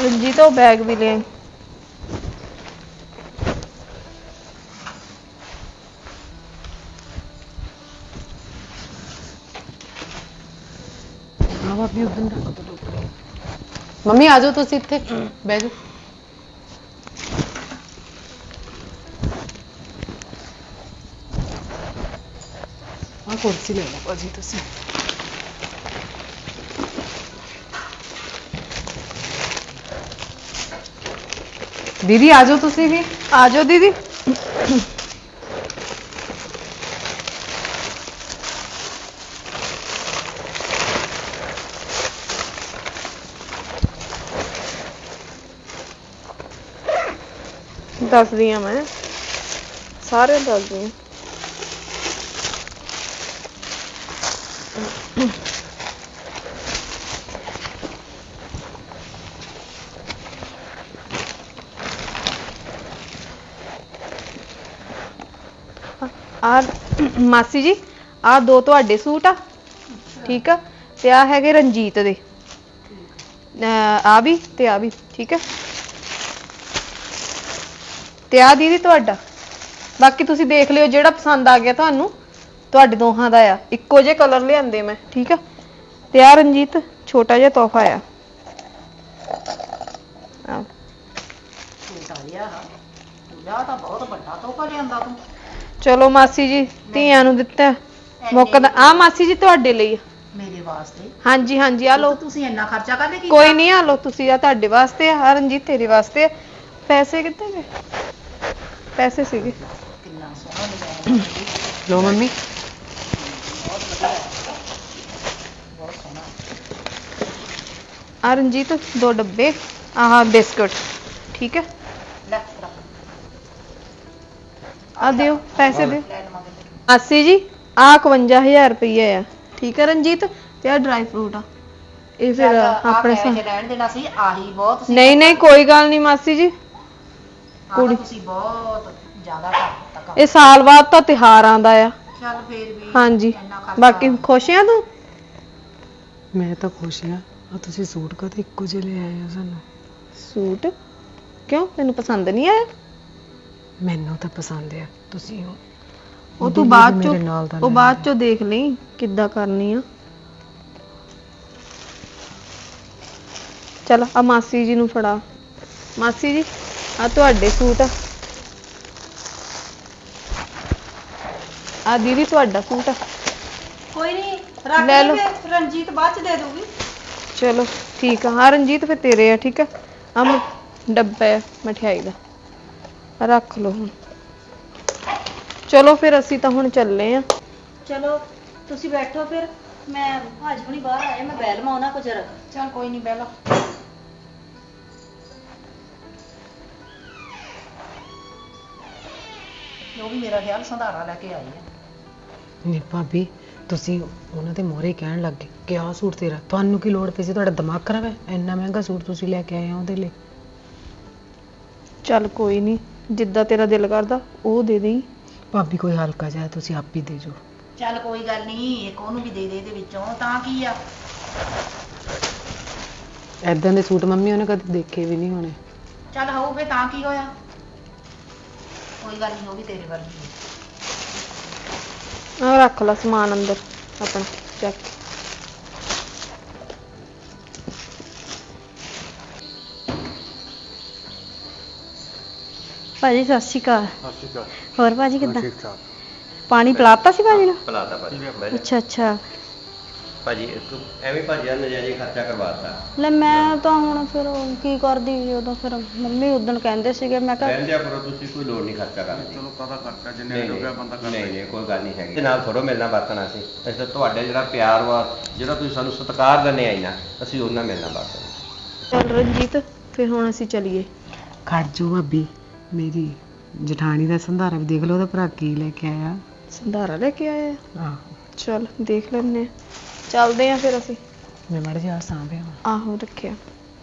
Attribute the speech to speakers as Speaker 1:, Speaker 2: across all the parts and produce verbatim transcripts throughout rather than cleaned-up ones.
Speaker 1: रंजीत वो बैग भी ले आई।
Speaker 2: मम्मी आ जाओ तुसी इत्थे बह जाओ। आ कुर्सी ले लो भाजी तुसी। दीदी आ जाओ तुसी भी।
Speaker 1: आ जाओ दीदी। दस दी मैं सारे दस दी। आ मासी जी आ दो तुहाडे सूट आ ठीक है ते आ हैगे रंजीत दे आ भी ते आ भी ठीक है ते आ दीदी तुहाडा बाकी तुसी देख लियो जेड़ा पसंद आ गया तुहानू तुहाडे दोहां दा आ इक्को जे कलर लिआंदे मैं ठीक है ते आ रंजीत छोटा जिहा तोहफा आ चलो मासी जी धीआं नू दित्ता मुक्कदा आ मासी जी तुहाडे लई मेरे वास्ते हाँ जी हाँ जी आ लो तुसी इन्ना खर्चा करदे की कोई नहीं आ लो तुसी आ तुहाडे वास्ते आ रंजीत तेरे वास्ते पैसे कित्थे गए पैसे सीगे
Speaker 2: लो मम्मी
Speaker 1: आ रंजीत दो डब्बे आह बिस्कुट ठीक है आ दियो पैसे दियो मासी जी आ इकवंजा हजार रुपया है ठीक है रंजीत ते आ ड्राई फ्रूट आ ये फिर अपने नहीं नहीं कोई गल नहीं मासी जी कुड़ी ये साल बाद तो त्योहार आंदा आ हाँ जी बाकी खुश है तू
Speaker 2: मैं तो खुश हाँ तुसी सूट का तो इक्को जिहा ले आए हो सानू
Speaker 1: सूट क्यों तेनू पसंद नहीं आया
Speaker 2: मैनू तो पसंद है तुसी हो
Speaker 1: ਉਹ ਤੂੰ ਬਾਅਦ ਚੋਂ ਉਹ ਬਾਅਦ ਚੋਂ ਦੇਖ ਲਈ ਕਿੱਦਾਂ ਕਰਨੀ ਆ ਚਲ ਆ ਮਾਸੀ ਜੀ ਨੂੰ ਫੜਾ ਮਾਸੀ ਜੀ ਆ ਤੁਹਾਡੇ ਸੂਟ ਆ ਆ ਦੀਦੀ ਤੁਹਾਡਾ ਸੂਟ ਆ
Speaker 3: ਕੋਈ ਨਹੀਂ ਰੱਖ ਲੈ ਲਓ ਰਣਜੀਤ ਬਾਅਦ ਚ ਦੇ ਦੂਗੀ
Speaker 1: ਚਲੋ ਠੀਕ ਆ ਹਾਂ ਰਣਜੀਤ ਫਿਰ ਤੇਰੇ ਆ ਠੀਕ ਆ ਆ ਡੱਬਾ ਮਠਿਆਈ ਦਾ ਰੱਖ ਲਓ ਹੁਣ चलो फिर असी तो हुण चले आ
Speaker 3: चलो तुसी बैठो फिर मैं भाजी हुणी बाहर आए मैं बैल माउना को जरा चल कोई नहीं बैलो वो भी मेरा ख्याल संधारा लेके आई है
Speaker 2: नहीं भाभी तुसी उन्हां दे मोहरे कहण लग गए कि आ सूट तेरा तुहानू की लोड़ पई सी तुहाडा दिमाग खराब है इन्ना महंगा सूट तुसी लेके आए हो ओहदे लई
Speaker 1: चल कोई नहीं जिद्दां तेरा दिल करदा ओ दे देई
Speaker 2: भाभी कोई हल्का जा तुसी आप ही दे जो
Speaker 3: चल कोई गल नहीं एक ओनू भी दे दे दे विचों तां की आ
Speaker 2: ऐदां दे सूट मम्मी ओने कदे देखे भी नहीं होने
Speaker 3: चल होऊ फे तां की होया कोई गल नहीं हो भी तेरे वर्गी
Speaker 1: आ रख ला सामान अंदर अपना चेक भाजी सत श्री अकाल
Speaker 4: सत श्री अकाल
Speaker 1: ਹੋਰ ਭਾਜੀ ਕਿੱਦਾਂ
Speaker 4: ठीक ठाक
Speaker 1: ਪਾਣੀ ਪਿਲਾਤਾ ਸੀ ਭਾਜੀ ਨੂੰ
Speaker 5: ਪਿਲਾਤਾ ਭਾਜੀ
Speaker 1: ਅੱਛਾ ਅੱਛਾ
Speaker 5: ਭਾਜੀ ਐਵੇਂ ਭਾਜੀ ਆ ਨਜਾਇਜ਼ ਖਰਚਾ ਕਰਵਾਤਾ
Speaker 1: ਲੈ ਮੈਂ ਤਾਂ ਹੁਣ ਫਿਰ ਕੀ ਕਰਦੀ ਉਦੋਂ ਫਿਰ ਮੰਮੀ ਉਦੋਂ ਕਹਿੰਦੇ ਸੀਗੇ ਮੈਂ ਕਿਹਾ
Speaker 5: ਰਹਿੰਦਿਆ ਕਰੋ ਤੁਸੀਂ ਕੋਈ ਲੋੜ ਨਹੀਂ ਖਰਚਾ ਕਰਨ ਦੀ
Speaker 4: ਚਲੋ ਕਾਹਦਾ ਖਰਚਾ ਜਿੰਨੇ ਰੁਪਇਆ ਬੰਦਾ ਕਰ
Speaker 5: ਨਹੀਂ ਨਹੀਂ ਕੋਈ ਗੱਲ ਨਹੀਂ ਹੈਗੀ ਤੇ ਨਾਲ ਥੋੜੋ ਮਿਲਣਾ ਵਰਤਣਾ ਸੀ ਅਸੀਂ ਤਾਂ ਤੁਹਾਡੇ ਜਿਹੜਾ ਪਿਆਰ ਵਾ ਜਿਹੜਾ ਤੁਸੀਂ ਸਾਨੂੰ ਸਤਿਕਾਰ ਦਿੰਦੇ ਆਈ ਨਾ ਅਸੀਂ ਉਹਨਾਂ ਮਿਲਣਾ ਵਰਤਣਾ
Speaker 1: ਚੱਲ ਰਣਜੀਤ ਫਿਰ ਹੁਣ ਅਸੀਂ ਚੱਲੀਏ
Speaker 2: ਖੜ ਜੋ ਭਾਬੀ मेरी जठानी का संधारा भी देख लो ओहदा भरा की लेके आया
Speaker 1: संधारा लेके आया
Speaker 2: आहो
Speaker 1: चल देख लेने चलते हैं फिर असी
Speaker 2: मैं मड़ जा सांभे
Speaker 1: आहो रखिया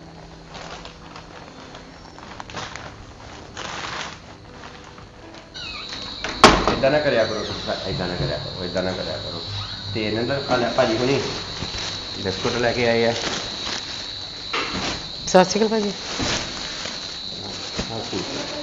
Speaker 5: ਇਦਾਂ ਨਾ ਕਰਿਆ ਕਰੋ ਇਦਾਂ ਨਾ ਕਰਿਆ ਕਰੋ ਇਦਾਂ ਨਾ ਕਰਿਆ ਕਰੋ ਤੇ ਇਹਨਾਂ ਦਾ ਭਾਜੀ ਹੁਣੀ ਬਿਸਕੁਟ ਲੈ ਕੇ ਆਏ ਆ
Speaker 2: ਸਤਿ ਸ਼੍ਰੀ ਅਕਾਲ ਭਾਜੀ।
Speaker 5: ਹਾਂ ਠੀਕ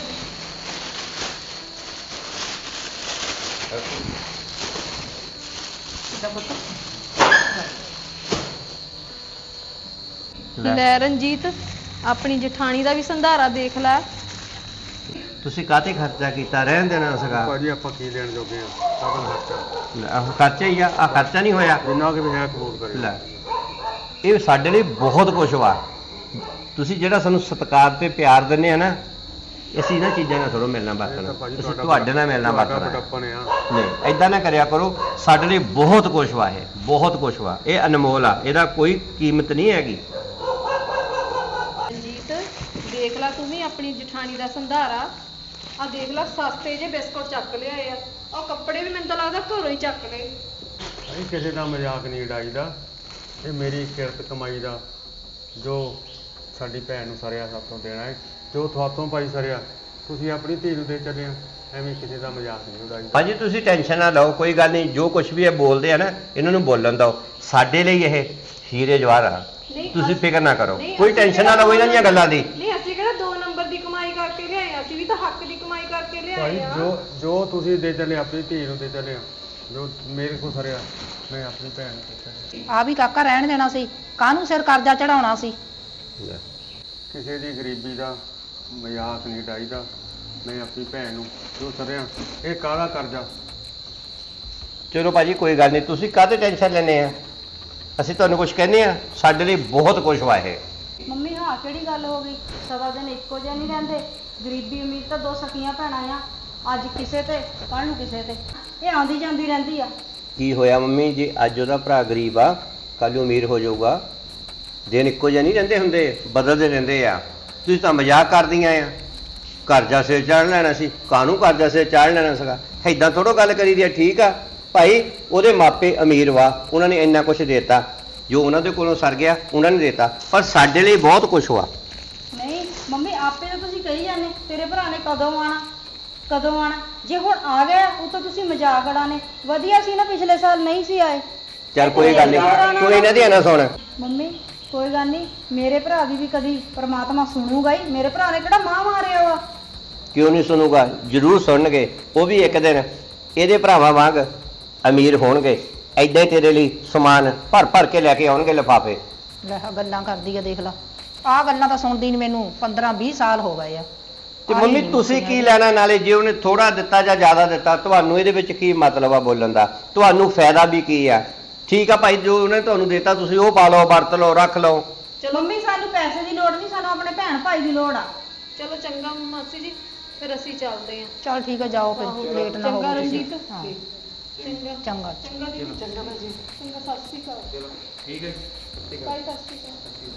Speaker 1: ਲੈ ਰਣਜੀਤ, ਆਪਣੀ ਜਠਾਣੀ ਦਾ ਵੀ ਸੰਧਾਰਾ ਦੇਖ ਲੈ।
Speaker 5: ਤੁਸੀਂ ਕਾਹਤੇ ਖਰਚਾ ਕੀਤਾ, ਰਹਿਣ ਦੇਣਾ ਸੀਗਾ।
Speaker 4: ਭਾਜੀ ਆਪਾਂ ਕੀ ਲੈਣ ਜੋਗੇ ਆ, ਸਾਡਾ ਖਰਚਾ
Speaker 5: ਆਹ ਖਰਚਾ ਹੀ ਆ, ਆ ਖਰਚਾ ਨਹੀਂ ਹੋਇਆ।
Speaker 4: ਜਿੰਨਾ ਕਿ ਵੀ ਹੈ ਕਬੂਲ ਕਰੇ।
Speaker 5: ਲੈ ਇਹ ਸਾਡੇ ਲਈ ਬਹੁਤ ਕੁਝ ਵਾ। ਤੁਸੀਂ ਜਿਹੜਾ ਸਾਨੂੰ ਸਤਿਕਾਰ ਤੇ ਪਿਆਰ ਦਿੰਦੇ ਆ ਨਾ, ਅਸੀਂ ਇਹਨਾਂ ਚੀਜ਼ਾਂ ਨਾਲ ਥੋੜ੍ਹਾ ਮਿਲਣਾ ਵਰਤਣਾ, ਅਸੀਂ ਤੁਹਾਡੇ ਨਾਲ ਮਿਲਣਾ ਵਰਤਣਾ ਨਹੀਂ। ਐਦਾਂ ਨਾ ਕਰਿਆ ਕਰੋ, ਸਾਡੇ ਲਈ ਬਹੁਤ ਕੁਝ ਵਾ, ਇਹ ਬਹੁਤ ਕੁਝ ਵਾ, ਇਹ ਅਨਮੋਲ ਆ, ਇਹਦਾ ਕੋਈ ਕੀਮਤ ਨਹੀਂ ਹੈਗੀ।
Speaker 1: ਰਣਜੀਤ ਦੇਖ ਲੈ ਤੂੰ ਵੀ ਆਪਣੀ ਜਠਾਣੀ ਦਾ ਸੰਧਾਰਾ। ਆ ਦੇਖ ਲੈ ਸਸਤੇ ਜੇ ਬਿਸਕੁਟ ਚੱਕ ਲਿਆਏ ਆ, ਉਹ ਕੱਪੜੇ ਵੀ ਮੈਨੂੰ ਤਾਂ ਲੱਗਦਾ ਘਰੋਂ ਹੀ ਚੱਕ ਲਏ।
Speaker 4: ਅਸੀਂ ਕਿਸੇ ਦਾ ਮਜ਼ਾਕ ਨਹੀਂ ਉਡਾਈਦਾ, ਇਹ ਮੇਰੀ ਕਿਰਤ ਕਮਾਈ ਦਾ ਜੋ ਸਾਡੀ ਭੈਣ ਨੂੰ ਸਰਿਆ ਸਾਥੋਂ ਦੇਣਾ ਹੈ, ਜੋ ਤੁਹਾਤੋਂ ਭਾਈ ਸਰਿਆ ਤੁਸੀਂ ਆਪਣੀ ਧੀ ਨੂੰ ਦੇ ਚੱਲੇ ਆ, ਐਵੇਂ ਕਿਸੇ ਦਾ ਮਜ਼ਾਕ ਨਹੀਂ ਉਡਾਈਦਾ।
Speaker 5: ਭਾਜੀ ਤੁਸੀਂ ਟੈਨਸ਼ਨ ਨਾ ਲਓ, ਕੋਈ ਗੱਲ ਨਹੀਂ, ਜੋ ਕੁਝ ਵੀ ਇਹ ਬੋਲਦੇ ਆ ਨਾ ਇਹਨਾਂ ਨੂੰ ਬੋਲਣ ਦਿਓ। ਸਾਡੇ ਲਈ ਇਹ ਹੀਰੇ ਜਵਾਹਰ ਆ, ਤੁਸੀਂ ਫਿਕਰ ਨਾ ਕਰੋ, ਕੋਈ ਟੈਨਸ਼ਨ ਨਾ ਲਓ ਇਹਨਾਂ ਦੀਆਂ ਗੱਲਾਂ ਦੀ।
Speaker 1: ਨਹੀਂ ਅਸੀਂ ਕਿਹੜਾ ਦੋ ਨੰਬਰ ਦੀ ਕਮਾਈ ਕਰਕੇ ਲਿਆਏ ਆ, ਅਸੀਂ ਵੀ ਤਾਂ ਹੱਕ ਦੀ ਕਮਾਈ ਕਰਕੇ
Speaker 4: ਭਾਈ
Speaker 1: ਲਿਆਏ ਆ।
Speaker 4: ਜੋ ਜੋ ਤੁਸੀਂ ਦੇ ਚੱਲੇ ਆਪਣੀ ਧੀ ਨੂੰ ਦੇ ਚੱਲੇ ਆ, ਜੋ ਮੇਰੇ ਕੋਲ ਸਰਿਆ ਮੈਂ ਆਪਣੀ ਭੈਣ ਨੂੰ ਦੇ ਚੱਲਿਆ।
Speaker 3: ਆ ਵੀ ਕਾਕਾ ਰਹਿਣ ਦੇਣਾ ਸੀ, ਕਾਹਨੂੰ ਸਿਰ ਕਰਜ਼ਾ ਚੜਾਉਣਾ ਸੀ।
Speaker 4: ਕਿਸੇ ਦੀ ਗਰੀਬੀ ਦਾ ਮਜ਼ਾਕ ਨਹੀਂ ਉਡਾਈਦਾ, ਮੈਂ ਆਪਣੀ ਭੈਣ ਨੂੰ ਜੋ ਸਰਿਆ, ਇਹ ਕਾਹਦਾ ਕਰਜ਼ਾ।
Speaker 5: ਚਲੋ ਭਾਜੀ ਕੋਈ ਗੱਲ ਨਹੀਂ, ਤੁਸੀਂ ਕਾਹਦੇ ਟੈਨਸ਼ਨ ਲੈਂਦੇ ਆ, ਅਸੀਂ ਤੁਹਾਨੂੰ ਕੁਝ ਕਹਿੰਦੇ ਆ, ਸਾਡੇ ਲਈ ਬਹੁਤ ਕੁਝ ਵਾ ਇਹ।
Speaker 3: ਮੰਮੀ ਹਾਂ ਕਿਹੜੀ ਗੱਲ ਹੋ ਗਈ, ਸਦਾ ਦਿਨ ਇੱਕੋ ਜਿਹੇ ਨਹੀਂ ਰਹਿੰਦੇ। ਗਰੀਬੀ ਅਮੀਰ ਤਾਂ ਦੋ ਸਕੀਆਂ ਭੈਣਾਂ ਆ, ਅੱਜ ਕਿਸੇ ਤੇ ਕੱਲ੍ਹ ਨੂੰ ਕਿਸੇ ਤੇ, ਇਹ ਆਉਂਦੀ ਜਾਂਦੀ ਰਹਿੰਦੀ ਆ।
Speaker 5: ਕੀ ਹੋਇਆ ਮੰਮੀ ਜੀ, ਅੱਜ ਉਹਦਾ ਭਰਾ ਗਰੀਬ ਆ, ਕੱਲ੍ਹ ਨੂੰ ਅਮੀਰ ਹੋ ਜਾਊਗਾ। ਦਿਨ ਇੱਕੋ ਜਿਹੇ ਨਹੀਂ ਰਹਿੰਦੇ ਹੁੰਦੇ, ਬਦਲਦੇ ਰਹਿੰਦੇ ਆ। ਤੁਸੀਂ ਤਾਂ ਮਜ਼ਾਕ ਕਰਦੀਆਂ ਆ, ਕਰਜ਼ਾ ਸਿਰ ਚਾੜ ਲੈਣਾ ਸੀ, ਕਾਹਨੂੰ ਕਰਜ਼ਾ ਸਿਰ ਚਾੜ ਲੈਣਾ ਸੀਗਾ, ਏਦਾਂ ਥੋੜ੍ਹਾ ਗੱਲ ਕਰੀ ਦੀ ਆ। ਠੀਕ ਆ ਭਾਈ, ਉਹਦੇ ਮਾਪੇ ਅਮੀਰ ਵਾ, ਉਹਨਾਂ ਨੇ ਇੰਨਾ ਕੁਝ ਦੇਤਾ, ਜੋ ਉਹਨਾਂ ਦੇ ਕੋਲੋਂ ਸਰ ਗਿਆ ਉਹਨਾਂ ਨੇ ਦੇਤਾ, ਪਰ ਸਾਡੇ ਲਈ ਬਹੁਤ ਕੁਝ ਵਾ।
Speaker 3: ਨਹੀਂ ਮੰਮੀ ਆਪੇ ਤਾਂ ਤੁਸੀਂ ਕਹੀ ਜਾਂਦੇ ਤੇਰੇ ਭਰਾ ਨੇ ਕਦੋਂ ਆਣਾ ਕਦੋਂ ਆਣਾ, ਜੇ ਹੁਣ ਆ ਗਿਆ ਉਹ ਤਾਂ ਤੁਸੀਂ ਮਜ਼ਾਕ ਉਡਾਣੇ। ਵਧੀਆ ਸੀ ਨਾ ਪਿਛਲੇ ਸਾਲ ਨਹੀਂ ਸੀ ਆਏ।
Speaker 5: ਚੱਲ ਕੋਈ ਗੱਲ ਨਹੀਂ, ਤੂੰ ਇਹਨਾਂ ਦੀ ਨਾ ਸੁਣ।
Speaker 3: ਮੰਮੀ ਕੋਈ ਗੱਲ ਨਹੀਂ, ਮੇਰੇ ਭਰਾ ਦੀ ਵੀ ਕਦੀ ਪ੍ਰਮਾਤਮਾ ਸੁਣੂਗਾ ਹੀ। ਮੇਰੇ ਭਰਾ ਨੇ ਕਿਹੜਾ ਮਾਂ ਮਾਰਿਆ ਵਾ।
Speaker 5: ਕਿਉਂ ਨਹੀਂ ਸੁਣੂਗਾ, ਜ਼ਰੂਰ ਸੁਣਨਗੇ। ਉਹ ਵੀ ਇੱਕ ਦਿਨ ਇਹਦੇ ਭਰਾਵਾਂ ਵਾਂਗ ਅਮੀਰ ਹੋਣਗੇ, ਐਦਾਂ ਹੀ ਤੇਰੇ ਲਈ ਸਮਾਨ ਭਰ ਭਰ ਕੇ ਲੈ ਕੇ ਆਉਣਗੇ ਲਿਫਾਫੇ।
Speaker 3: ਲੈ ਆਹ ਗੱਲਾਂ ਕਰਦੀ ਆ, ਦੇਖ ਲਾ ਆਹ ਗੱਲਾਂ ਤਾਂ ਸੁਣਦੀ ਨੂੰ ਮੈਨੂੰ ਪੰਦਰਾਂ ਵੀਹ ਸਾਲ ਹੋ ਗਏ ਆ।
Speaker 5: ਤੇ ਮੰਮੀ ਤੁਸੀਂ ਕੀ ਲੈਣਾ, ਨਾਲੇ ਜੇ ਉਹਨੇ ਥੋੜਾ ਦਿੱਤਾ ਜਾਂ ਜ਼ਿਆਦਾ ਦਿੱਤਾ, ਤੁਹਾਨੂੰ ਇਹਦੇ ਵਿੱਚ ਕੀ ਮਤਲਬ ਆ ਬੋਲਣ ਦਾ, ਤੁਹਾਨੂੰ ਫਾਇਦਾ ਵੀ ਕੀ ਆ। ਠੀਕ ਆ ਭਾਈ, ਜੋ ਉਹਨੇ ਤੁਹਾਨੂੰ ਦਿੱਤਾ ਤੁਸੀਂ ਉਹ ਪਾ ਲਓ, ਵਰਤ ਲਓ, ਰੱਖ ਲਓ।
Speaker 3: ਚਲੋ ਮੰਮੀ ਸਾਨੂੰ ਪੈਸੇ ਦੀ ਲੋੜ ਨਹੀਂ, ਸਾਨੂੰ ਆਪਣੇ ਭੈਣ ਭਾਈ ਦੀ ਲੋੜ ਆ।
Speaker 1: ਚਲੋ ਚੰਗਾ ਮਾਸੀ ਜੀ, ਫਿਰ ਅਸੀਂ ਚੱਲਦੇ ਆਂ।
Speaker 3: ਚਲ ਠੀਕ ਆ, ਜਾਓ ਫਿਰ, ਲੇਟ ਨਾ ਹੋਵੋ।
Speaker 1: ਚੰਗਾ ਰਣਜੀਤ।
Speaker 3: ਹਾਂ
Speaker 1: ਚੰਗਾ
Speaker 3: ਚੰਗਾ
Speaker 1: ਚੰਗਾ ਜੀ, ਚੰਗਾ ਭਾਜੀ, ਚੰਗਾ, ਸਤਿ ਸ਼੍ਰੀ ਅਕਾਲ।
Speaker 5: ਚਲੋ ਠੀਕ ਹੈ ਜੀ।
Speaker 1: ਬਾਈ, ਸਤਿ ਸ਼੍ਰੀ ਅਕਾਲ।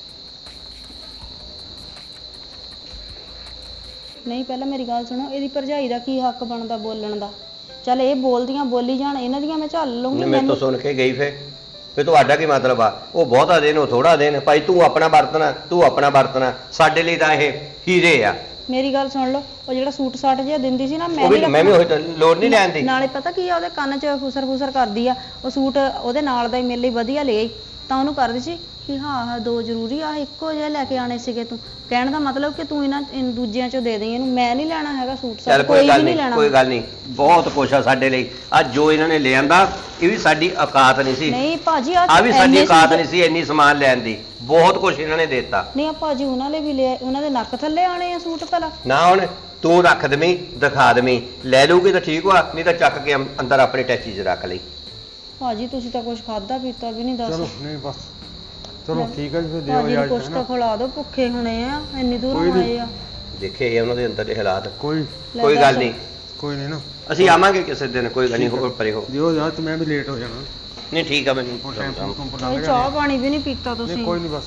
Speaker 3: ਨਹੀਂ ਪਹਿਲਾਂ ਮੇਰੀ ਗੱਲ ਸੁਣੋ, ਇਹਦੀ ਭਰਜਾਈ ਦਾ ਕੀ ਹੱਕ ਬਣਦਾ ਬੋਲਣ ਦਾ। ਚੱਲ ਇਹ ਬੋਲਦੀਆਂ ਬੋਲੀ ਜਾਣ, ਇਹਨਾਂ ਦੀਆਂ ਮੈਂ ਝੱਲ ਲਊਂਗੀ।
Speaker 5: ਮੈਂ ਤਾਂ ਸੁਣ ਕੇ ਗਈ ਫੇ ਫੇ ਤੁਹਾਡਾ ਕੀ ਮਤਲਬ ਆ, ਉਹ ਬਹੁਤਾ ਦੇਣ ਉਹ ਥੋੜਾ ਦੇਣ। ਭਾਈ ਤੂੰ ਆਪਣਾ ਵਰਤਣਾ, ਤੂੰ ਆਪਣਾ ਵਰਤਣਾ, ਸਾਡੇ ਲਈ ਤਾਂ ਇਹ ਹੀਰੇ ਆ।
Speaker 3: ਮੇਰੀ ਗੱਲ ਸੁਣ ਲਓ, ਉਹ ਜਿਹੜਾ ਸੂਟ ਸਾਟ ਜਿਹਾ ਦਿੰਦੀ ਸੀ ਨਾ, ਮੈਂ
Speaker 5: ਉਹ ਵੀ
Speaker 3: ਨਹੀਂ
Speaker 5: ਮੈਂ ਵੀ ਉਹੀ ਤਾਂ ਲੋੜ ਨਹੀਂ ਲੈਣ ਦੀ।
Speaker 3: ਨਾਲੇ ਪਤਾ ਕੀ ਆ, ਉਹਦੇ ਕੰਨ 'ਚ ਫੁਸਰ ਫੁਸਰ ਕਰਦੀ ਆ। ਉਹ ਸੂਟ ਉਹਦੇ ਨਾਲ ਦਾ ਹੀ ਮੇਰੇ ਲਈ ਵਧੀਆ ਲੈ ਆਈ, ਤਾਂ ਉਹਨੂੰ ਕਰਦੀ ਸੀ ਕਿ ਹਾਂ ਹਾਂ ਦੋ ਜ਼ਰੂਰੀ ਆ, ਇੱਕੋ ਜਿਹੇ ਲੈ ਕੇ ਆਣੇ ਸੀਗੇ। ਤੂੰ ਕਹਿਣ ਦਾ ਮਤਲਬ ਕਿ ਤੂੰ ਇਹਨਾਂ ਦੂਜਿਆਂ ਚੋਂ ਦੇ ਦੇਈਂ ਇਹਨੂੰ, ਮੈਂ ਨਹੀਂ ਲੈਣਾ ਹੈਗਾ ਸੂਟ ਸਾਟ,
Speaker 5: ਚੱਲ
Speaker 3: ਕੋਈ
Speaker 5: ਕੋਈ ਗੱਲ
Speaker 3: ਵੀ ਨਹੀਂ
Speaker 5: ਨਹੀਂ,
Speaker 3: ਲੈਣਾ।
Speaker 5: ਕੋਈ ਗੱਲ ਨਹੀਂ, ਬਹੁਤ ਕੁਛ ਆ ਸਾਡੇ ਲਈ। ਅੱਜ ਜੋ ਇਹਨਾਂ ਨੇ ਲਿਆਂਦਾ ਇਹ ਵੀ ਸਾਡੀ ਔਕਾਤ ਨਹੀਂ ਸੀ।
Speaker 3: ਨਹੀਂ ਭਾਜੀ
Speaker 5: ਆ ਵੀ ਸਾਡੀ
Speaker 3: ਇੰਨੇ
Speaker 5: ਔਕਾਤ
Speaker 3: ਸੂਟ-
Speaker 5: ਨਹੀਂ ਸੀ ਇੰਨੀ ਸਮਾਨ ਲੈਣ ਦੀ, ਬਹੁਤ ਕੁਛ ਇਹਨਾਂ ਨੇ ਦਿੱਤਾ।
Speaker 3: ਨਹੀਂ ਆ ਭਾਜੀ ਉਹਨਾਂ ਨੇ ਵੀ ਲਿਆ, ਉਹਨਾਂ ਦੇ ਨੱਕ ਥੱਲੇ ਆਣੇ ਆ ਸੂਟ ਭਲਾ।
Speaker 5: ਨਾ ਹੁਣ ਤੂੰ ਰੱਖ ਦੇਵੀਂ, ਦਿਖਾ ਦੇਵੀਂ, ਲੈ ਲਊਗੀ ਤਾਂ ਠੀਕ ਵਾ, ਨਹੀਂ ਤਾਂ ਚੱਕ ਕੇ ਅੰਦ- ਅੰਦਰ ਆਪਣੇ ਟੈਚੀ 'ਚ ਰੱਖ ਲਈ।
Speaker 3: ਭਾਜੀ ਤੁਸੀਂ ਤਾਂ ਕੁਝ ਖਾਦਾ ਪੀਤਾ ਵੀ ਨਹੀਂ, ਦੱਸ।
Speaker 4: ਚਲੋ ਨਹੀਂ ਬਸ, ਚਲੋ ਠੀਕ ਹੈ ਜੀ, ਫਿਰ ਦਿਓ
Speaker 3: ਭਾਜੀ ਨੂੰ
Speaker 4: ਇਜਾਜ਼ਤ,
Speaker 3: ਕੁਛ
Speaker 4: ਹੈ
Speaker 3: ਤਾਂ
Speaker 4: ਨਾ।
Speaker 3: ਖਿਲਾ ਦਿਓ, ਭੁੱਖੇ ਹੋਣੇ ਆ, ਇੰਨੀ
Speaker 4: ਕੋਈ
Speaker 3: ਦੂਰੋਂ
Speaker 4: ਨੀ।
Speaker 3: ਆਏ ਆ।
Speaker 5: ਦੇਖੇ ਇਹ ਉਹਨਾਂ ਦੇ ਅੰਦਰ ਦੇ ਹਾਲਾਤ।
Speaker 4: ਕੋਈ
Speaker 3: ਲੈ
Speaker 5: ਕੋਈ ਗੱਲ
Speaker 3: ਦੱਸ।
Speaker 5: ਨਹੀਂ,
Speaker 4: ਕੋਈ ਨਹੀਂ ਨਾ,
Speaker 5: ਅਸੀਂ ਆਵਾਂਗੇ ਕਿਸੇ ਦਿਨ, ਕੋਈ ਗੱਲ ਨਹੀਂ, ਹੋਰ ਪਰੇ ਹੋ।
Speaker 4: ਦਿਓ ਇਜਾਜ਼ਤ, ਮੈਂ ਵੀ ਲੇਟ ਹੋ ਜਾਣਾ।
Speaker 5: ਨਹੀਂ ਠੀਕ ਆ, ਮੈਨੂੰ
Speaker 4: ਹੁਣ ਟਾਈਮ ਟੂਮ ਪਰ
Speaker 3: ਭਾਈ
Speaker 4: ਲੰਘ
Speaker 3: ਚਾਹ
Speaker 4: ਜਾਣਾ।
Speaker 3: ਪਾਣੀ ਵੀ ਨਹੀਂ ਪੀਤਾ
Speaker 4: ਨਹੀਂ
Speaker 3: ਤੁਸੀਂ,
Speaker 4: ਕੋਈ ਨਹੀਂ ਬਸ,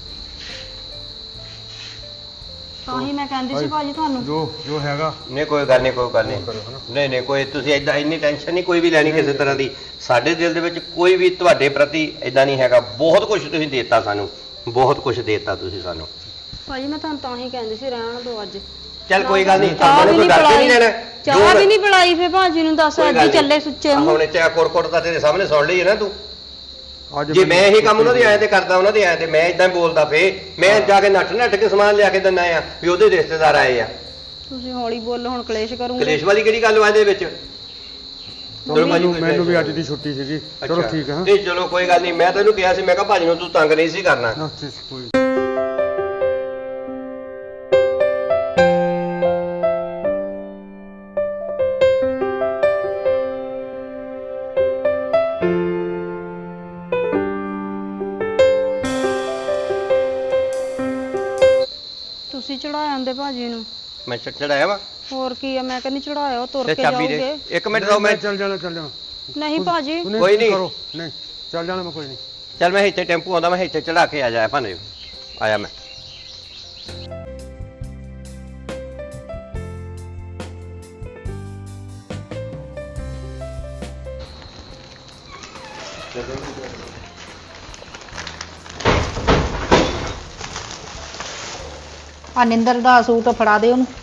Speaker 3: ਤਾਂ ਹੀ ਮੈਂ ਕਹਿੰਦੀ ਸੀ ਭਾਜੀ ਤੁਹਾਨੂੰ।
Speaker 4: ਜੋ ਜੋ ਹੈਗਾ
Speaker 5: ਨਹੀਂ ਕੋਈ ਗੱਲ ਨਹੀਂ, ਕੋਈ ਗੱਲ ਨਹੀਂ,
Speaker 4: ਕਰੋ, ਹਨਾ।
Speaker 5: ਨਹੀਂ ਨਹੀਂ ਕੋਈ ਤੁਸੀਂ ਏਦਾਂ ਇੰਨੀ ਟੈਨਸ਼ਨ ਨਹੀਂ ਕੋਈ ਵੀ ਲੈਣੀ ਕਿਸੇ ਤਰ੍ਹਾਂ ਦੀ। ਸਾਡੇ ਦਿਲ ਦੇ ਵਿੱਚ ਕੋਈ ਵੀ ਤੁਹਾਡੇ ਪ੍ਰਤੀ ਏਦਾਂ ਨਹੀਂ ਹੈਗਾ। ਬਹੁਤ ਕੁਝ ਤੁਸੀਂ ਦੇਤਾ ਸਾਨੂੰ, ਬਹੁਤ ਕੁਝ ਦੇਤਾ ਤੁਸੀਂ ਸਾਨੂੰ।
Speaker 3: ਭਾਜੀ ਮੈਂ ਤੁਹਾਨੂੰ ਤਾਂ ਹੀ ਕਹਿੰਦੀ ਸੀ ਰਹਿਣ ਦਿਓ ਅੱਜ।
Speaker 5: ਚੱਲ ਕੋਈ ਗੱਲ ਨਹੀਂ,
Speaker 3: ਚਾਹ
Speaker 5: ਆਪਾਂ
Speaker 3: ਵੀ
Speaker 5: ਨੂੰ ਕੋਈ
Speaker 3: ਨਹੀਂ
Speaker 5: ਡਰ ਕੇ ਨਹੀਂ
Speaker 3: ਪਿਲਾਈ,
Speaker 5: ਲੈਣਾ।
Speaker 3: ਚਾਹ ਵੀ ਨਹੀਂ ਪਿਲਾਈ ਫੇ ਭਾਜੀ ਨੂੰ, ਦੱਸ
Speaker 5: ਕੋਈ
Speaker 3: ਅੱਜ
Speaker 5: ਗੱਲ
Speaker 3: ਹੀ
Speaker 5: ਨਹੀਂ।
Speaker 3: ਚੱਲੇ ਸੁੱਚੇ
Speaker 5: ਆਹ
Speaker 3: ਮੂੰਹ।
Speaker 5: ਹੁਣ ਚਾਹ ਕੋਰਕੋਟ ਤਾਂ ਤੇਰੇ ਸਾਹਮਣੇ ਸੁਣ ਲਈ ਹੈ ਨਾ ਤੂੰ।
Speaker 4: ਅੱਜ
Speaker 5: ਜੇ ਮੈਂ ਇਹ ਕੰਮ ਉਹਨਾਂ ਦੇ ਆਏ ਤੇ ਕਰਦਾ ਉਹਨਾਂ ਦੇ ਆਏ ਤੇ ਮੈਂ ਇਦਾਂ ਬੋਲਦਾ ਫੇ ਮੈਂ ਜਾ ਕੇ ਨੱਠ ਨੱਠ ਕੇ ਸਮਾਨ ਲਿਆ ਕੇ ਦਿੰਦਾ ਆ ਵੀ ਉਹਦੇ ਰਿਸ਼ਤੇਦਾਰ ਆਏ ਆ।
Speaker 3: ਤੁਸੀਂ ਹੌਲੀ ਬੋਲੋ, ਹੁਣ ਕਲੇਸ਼ ਕਰੂੰਗੇ।
Speaker 5: ਕਲੇਸ਼ ਵਾਲੀ ਕਿਹੜੀ ਗੱਲ ਵਾ ਇਹਦੇ ਵਿੱਚ? ਚਲੋ ਭਾਜੀ
Speaker 4: ਮੈਨੂੰ ਵੀ ਅੱਜ ਦੀ ਛੁੱਟੀ ਸੀਗੀ। ਚਲੋ ਠੀਕ ਹੈ।
Speaker 5: ਨਹੀਂ ਚਲੋ ਕੋਈ ਗੱਲ ਨਹੀਂ, ਮੈਂ ਤੈਨੂੰ ਕਿਹਾ ਸੀ, ਮੈਂ ਕਿਹਾ ਭਾਜੀ ਨੂੰ ਤੂੰ ਤੰਗ ਨਹੀਂ ਸੀ ਕਰਨਾ।
Speaker 4: ਕੋਈ
Speaker 3: ਤੁਸੀਂ ਚੜਾਇਆ ਆਂਦੇ ਭਾਜੀ ਨੂੰ।
Speaker 5: ਮੈਂ ਚੜਾਇਆ ਵਾ,
Speaker 3: ਹੋਰ ਕੀ ਆ, ਮੈਂ ਕਹਿੰਦੀ ਚੜਾਇਆ, ਉਹ ਤੁਰ
Speaker 5: ਤੇ
Speaker 3: ਕੇ
Speaker 5: ਚਾਬੀ ਦੇ
Speaker 3: ਜਾਓਗੇ।
Speaker 5: ਇੱਕ ਮਿੰਟ ਰੁਕੋ, ਮੈਂ
Speaker 4: ਚੱਲ ਜਾਣਾ ਚੱਲ ਜਾਣਾ।
Speaker 3: ਨਹੀਂ ਭਾਜੀ
Speaker 5: ਕੋਈ ਨਹੀਂ
Speaker 4: ਕਰੋ, ਨਹੀਂ ਚੱਲ ਜਾਣਾ ਮੈਂ, ਕੋਈ ਨਹੀਂ।
Speaker 5: ਚੱਲ ਮੈਂ ਇੱਥੇ ਟੈਂਪੂ ਆਉਂਦਾ, ਮੈਂ ਇੱਥੇ ਚੜਾ ਕੇ ਆ ਜਾਇਆ ਭਾਨੇ ਆਇਆ ਮੈਂ।
Speaker 6: ਆ ਨਿੰਦਰ ਦਾ ਸੂਟ ਫੜਾ ਦੇ ਉਹਨੂੰ।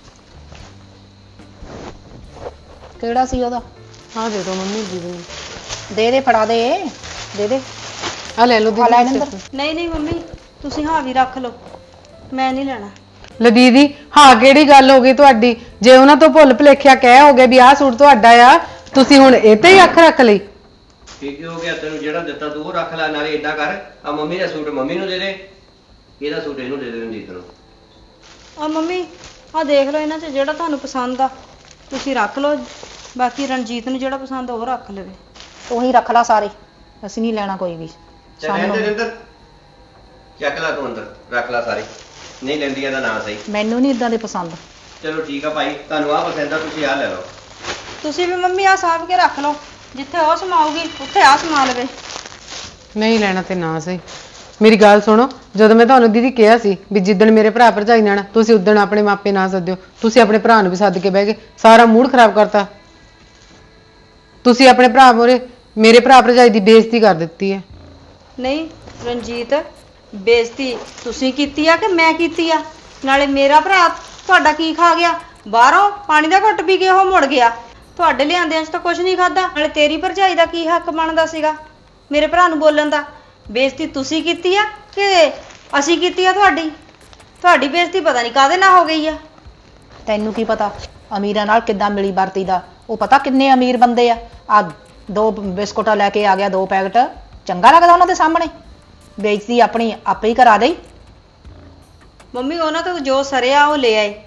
Speaker 6: ਕਿਹੜਾ ਸੀ ਉਹਦਾ?
Speaker 2: ਹਾਂ ਦੇ ਦੋ ਮੰਮੀ ਜੀ ਨੂੰ।
Speaker 6: ਦੇ ਦੇ, ਫੜਾ ਦੇ ਦੇ ਦੇ।
Speaker 2: ਆ ਲੈ ਲਓ
Speaker 6: ਆ ਲੈ
Speaker 2: ਦੀਦੀ।
Speaker 6: ਨਿੰਦਰ।
Speaker 3: ਨਹੀਂ ਨਹੀਂ ਮੰਮੀ, ਤੁਸੀਂ ਹਾਂ ਵੀ ਰੱਖ ਲਓ, ਮੈਂ ਨਹੀਂ ਲੈਣਾ।
Speaker 2: ਲੈ ਦੀਦੀ, ਹਾਂ ਕਿਹੜੀ ਗੱਲ ਹੋ ਗਈ ਤੁਹਾਡੀ? ਜੇ ਉਹਨਾਂ ਤੋਂ ਭੁੱਲ ਭੁਲੇਖਿਆ ਕਹਿ ਹੋ ਗਿਆ ਵੀ ਆਹ ਸੂਟ ਤੁਹਾਡਾ ਆ, ਤੁਸੀਂ ਹੁਣ ਇਹ ਤੇ ਹੀ ਅੱਖ ਰੱਖ ਲਈ?
Speaker 5: ਕੀ ਹੋ ਗਿਆ? ਤੈਨੂੰ ਜਿਹੜਾ ਦਿੱਤਾ ਤੂੰ ਉਹ ਰੱਖ ਲੈ, ਨਾਲੇ ਏਦਾਂ ਕਰ, ਆ ਮੰਮੀ ਦਾ ਸੂਟ ਮੰਮੀ ਨੂੰ ਦੇ ਦੇ, ਇਹਦਾ ਸੂਟ ਇਹਨੂੰ ਦੇ ਦੇ ਰਣਜੀਤ ਨੂੰ।
Speaker 3: ਆ ਮੰਮੀ ਆ ਦੇਖ ਲਓ, ਇਹਨਾਂ 'ਚ ਜਿਹੜਾ ਤੁਹਾਨੂੰ ਪਸੰਦ ਆ ਤੁਸੀਂ ਰੱਖ ਲਓ, ਬਾਕੀ ਰਣਜੀਤ ਨੂੰ ਜਿਹੜਾ ਪਸੰਦ ਆ ਉਹ ਰੱਖ ਲਵੇ।
Speaker 6: ਤੂੰ ਹੀ ਰੱਖ ਲਾ ਸਾਰੇ, ਅਸੀਂ ਨਹੀਂ ਲੈਣਾ ਕੋਈ ਵੀ।
Speaker 5: ਤੇ ਰਹਿੰਦੇ ਰਿੰਦਰ ਚੱਕ ਲੈ ਤੂੰ ਅੰਦਰ, ਰੱਖ ਲੈ ਸਾਰੇ, ਨਹੀਂ ਲੈਂਦੀਆਂ ਦਾ ਨਾਂ ਸਹੀ।
Speaker 6: ਮੈਨੂੰ ਨਹੀਂ ਇਦਾਂ ਦੇ ਪਸੰਦ।
Speaker 5: ਚਲੋ ਠੀਕ ਆ ਭਾਈ, ਤੁਹਾਨੂੰ ਆਹ ਪਸੰਦ ਆ, ਤੁਸੀਂ ਆਹ ਲੈ ਲਓ।
Speaker 3: ਤੁਸੀਂ ਵੀ ਮੰਮੀ ਆ ਸਾਂਭ ਕੇ ਰੱਖ ਲਓ, ਜਿੱਥੇ ਉਹ ਸਮਾਊਗੀ ਉੱਥੇ ਆ ਸਮਾ ਲਵੇ।
Speaker 2: ਨਹੀਂ ਲੈਣਾ ਤੇ ਨਾ ਸਹੀ। ਮੇਰੀ ਗੱਲ ਸੁਣੋ, ਜਦੋਂ ਮੈਂ ਤੁਹਾਨੂੰ ਦੀਦੀ ਕਿਹਾ ਸੀ ਵੀ ਜਿੱਦਣ ਮੇਰੇ ਭਰਾ ਭਰਜਾਈ ਨੇ ਆਉਣਾ ਤੁਸੀਂ ਉਦਣ ਆਪਣੇ ਮਾਪੇ ਨਾ ਸੱਦਿਓ, ਤੁਸੀਂ ਆਪਣੇ ਭਰਾ ਨੂੰ ਵੀ ਸੱਦ ਕੇ ਬਹਿ ਗਏ, ਸਾਰਾ ਮੂਡ ਖਰਾਬ ਕਰਤਾ। ਤੁਸੀਂ ਆਪਣੇ ਭਰਾ ਮੋਰੇ ਮੇਰੇ ਭਰਾ ਭਰਜਾਈ ਦੀ ਬੇਇੱਜ਼ਤੀ ਕਰ ਦਿੱਤੀ ਹੈ।
Speaker 3: ਨਹੀਂ ਰਣਜੀਤ, ਬੇਇੱਜ਼ਤੀ ਤੁਸੀਂ ਕੀਤੀ ਆ ਕਿ ਮੈਂ ਕੀਤੀ ਆ? ਨਾਲੇ ਮੇਰਾ ਭਰਾ ਤੁਹਾਡਾ ਕੀ ਖਾ ਗਿਆ? ਬਾਹਰੋਂ ਪਾਣੀ ਦਾ ਘੁੱਟ ਪੀ ਕੇ ਉਹ ਮੁੜ ਗਿਆ, ਤੁਹਾਡੇ ਲਿਆਂਦਿਆਂ 'ਚ ਤਾਂ ਕੁਝ ਨਹੀਂ ਖਾਦਾ। ਨਾਲੇ ਤੇਰੀ ਭਰਜਾਈ ਦਾ ਕੀ ਹੱਕ ਬਣਦਾ ਸੀਗਾ ਮੇਰੇ ਭਰਾ ਨੂੰ ਬੋਲਣ ਦਾ? ਬੇਇੱਜ਼ਤੀ ਤੁਸੀਂ ਕੀਤੀ ਆ ਕਿ ਅਸੀਂ ਕੀਤੀ ਆ ਤੁਹਾਡੀ? ਤੁਹਾਡੀ ਬੇਇੱਜ਼ਤੀ ਪਤਾ ਨਹੀਂ ਕਾਹਦੇ ਨਾਲ ਹੋ ਗਈ ਆ।
Speaker 6: ਤੈਨੂੰ ਕੀ ਪਤਾ ਅਮੀਰਾਂ ਨਾਲ ਕਿੱਦਾਂ ਮਿਲੀ ਵਰਤੀ ਦਾ? ਉਹ ਪਤਾ ਕਿੰਨੇ ਅਮੀਰ ਬੰਦੇ ਆ। ਆ ਦੋ ਬਿਸਕੁਟਾਂ ਲੈ ਕੇ ਆ ਗਿਆ, ਦੋ ਪੈਕਟ। ਚੰਗਾ ਲੱਗਦਾ ਉਹਨਾਂ ਦੇ ਸਾਹਮਣੇ? ਬੇਇੱਜ਼ਤੀ ਆਪਣੀ ਆਪੇ ਹੀ ਕਰਾ ਦੇ।
Speaker 3: ਮੰਮੀ ਉਹਨਾਂ ਤੋਂ ਜੋ ਸਰਿਆ ਉਹ ਲੈ ਆਏ।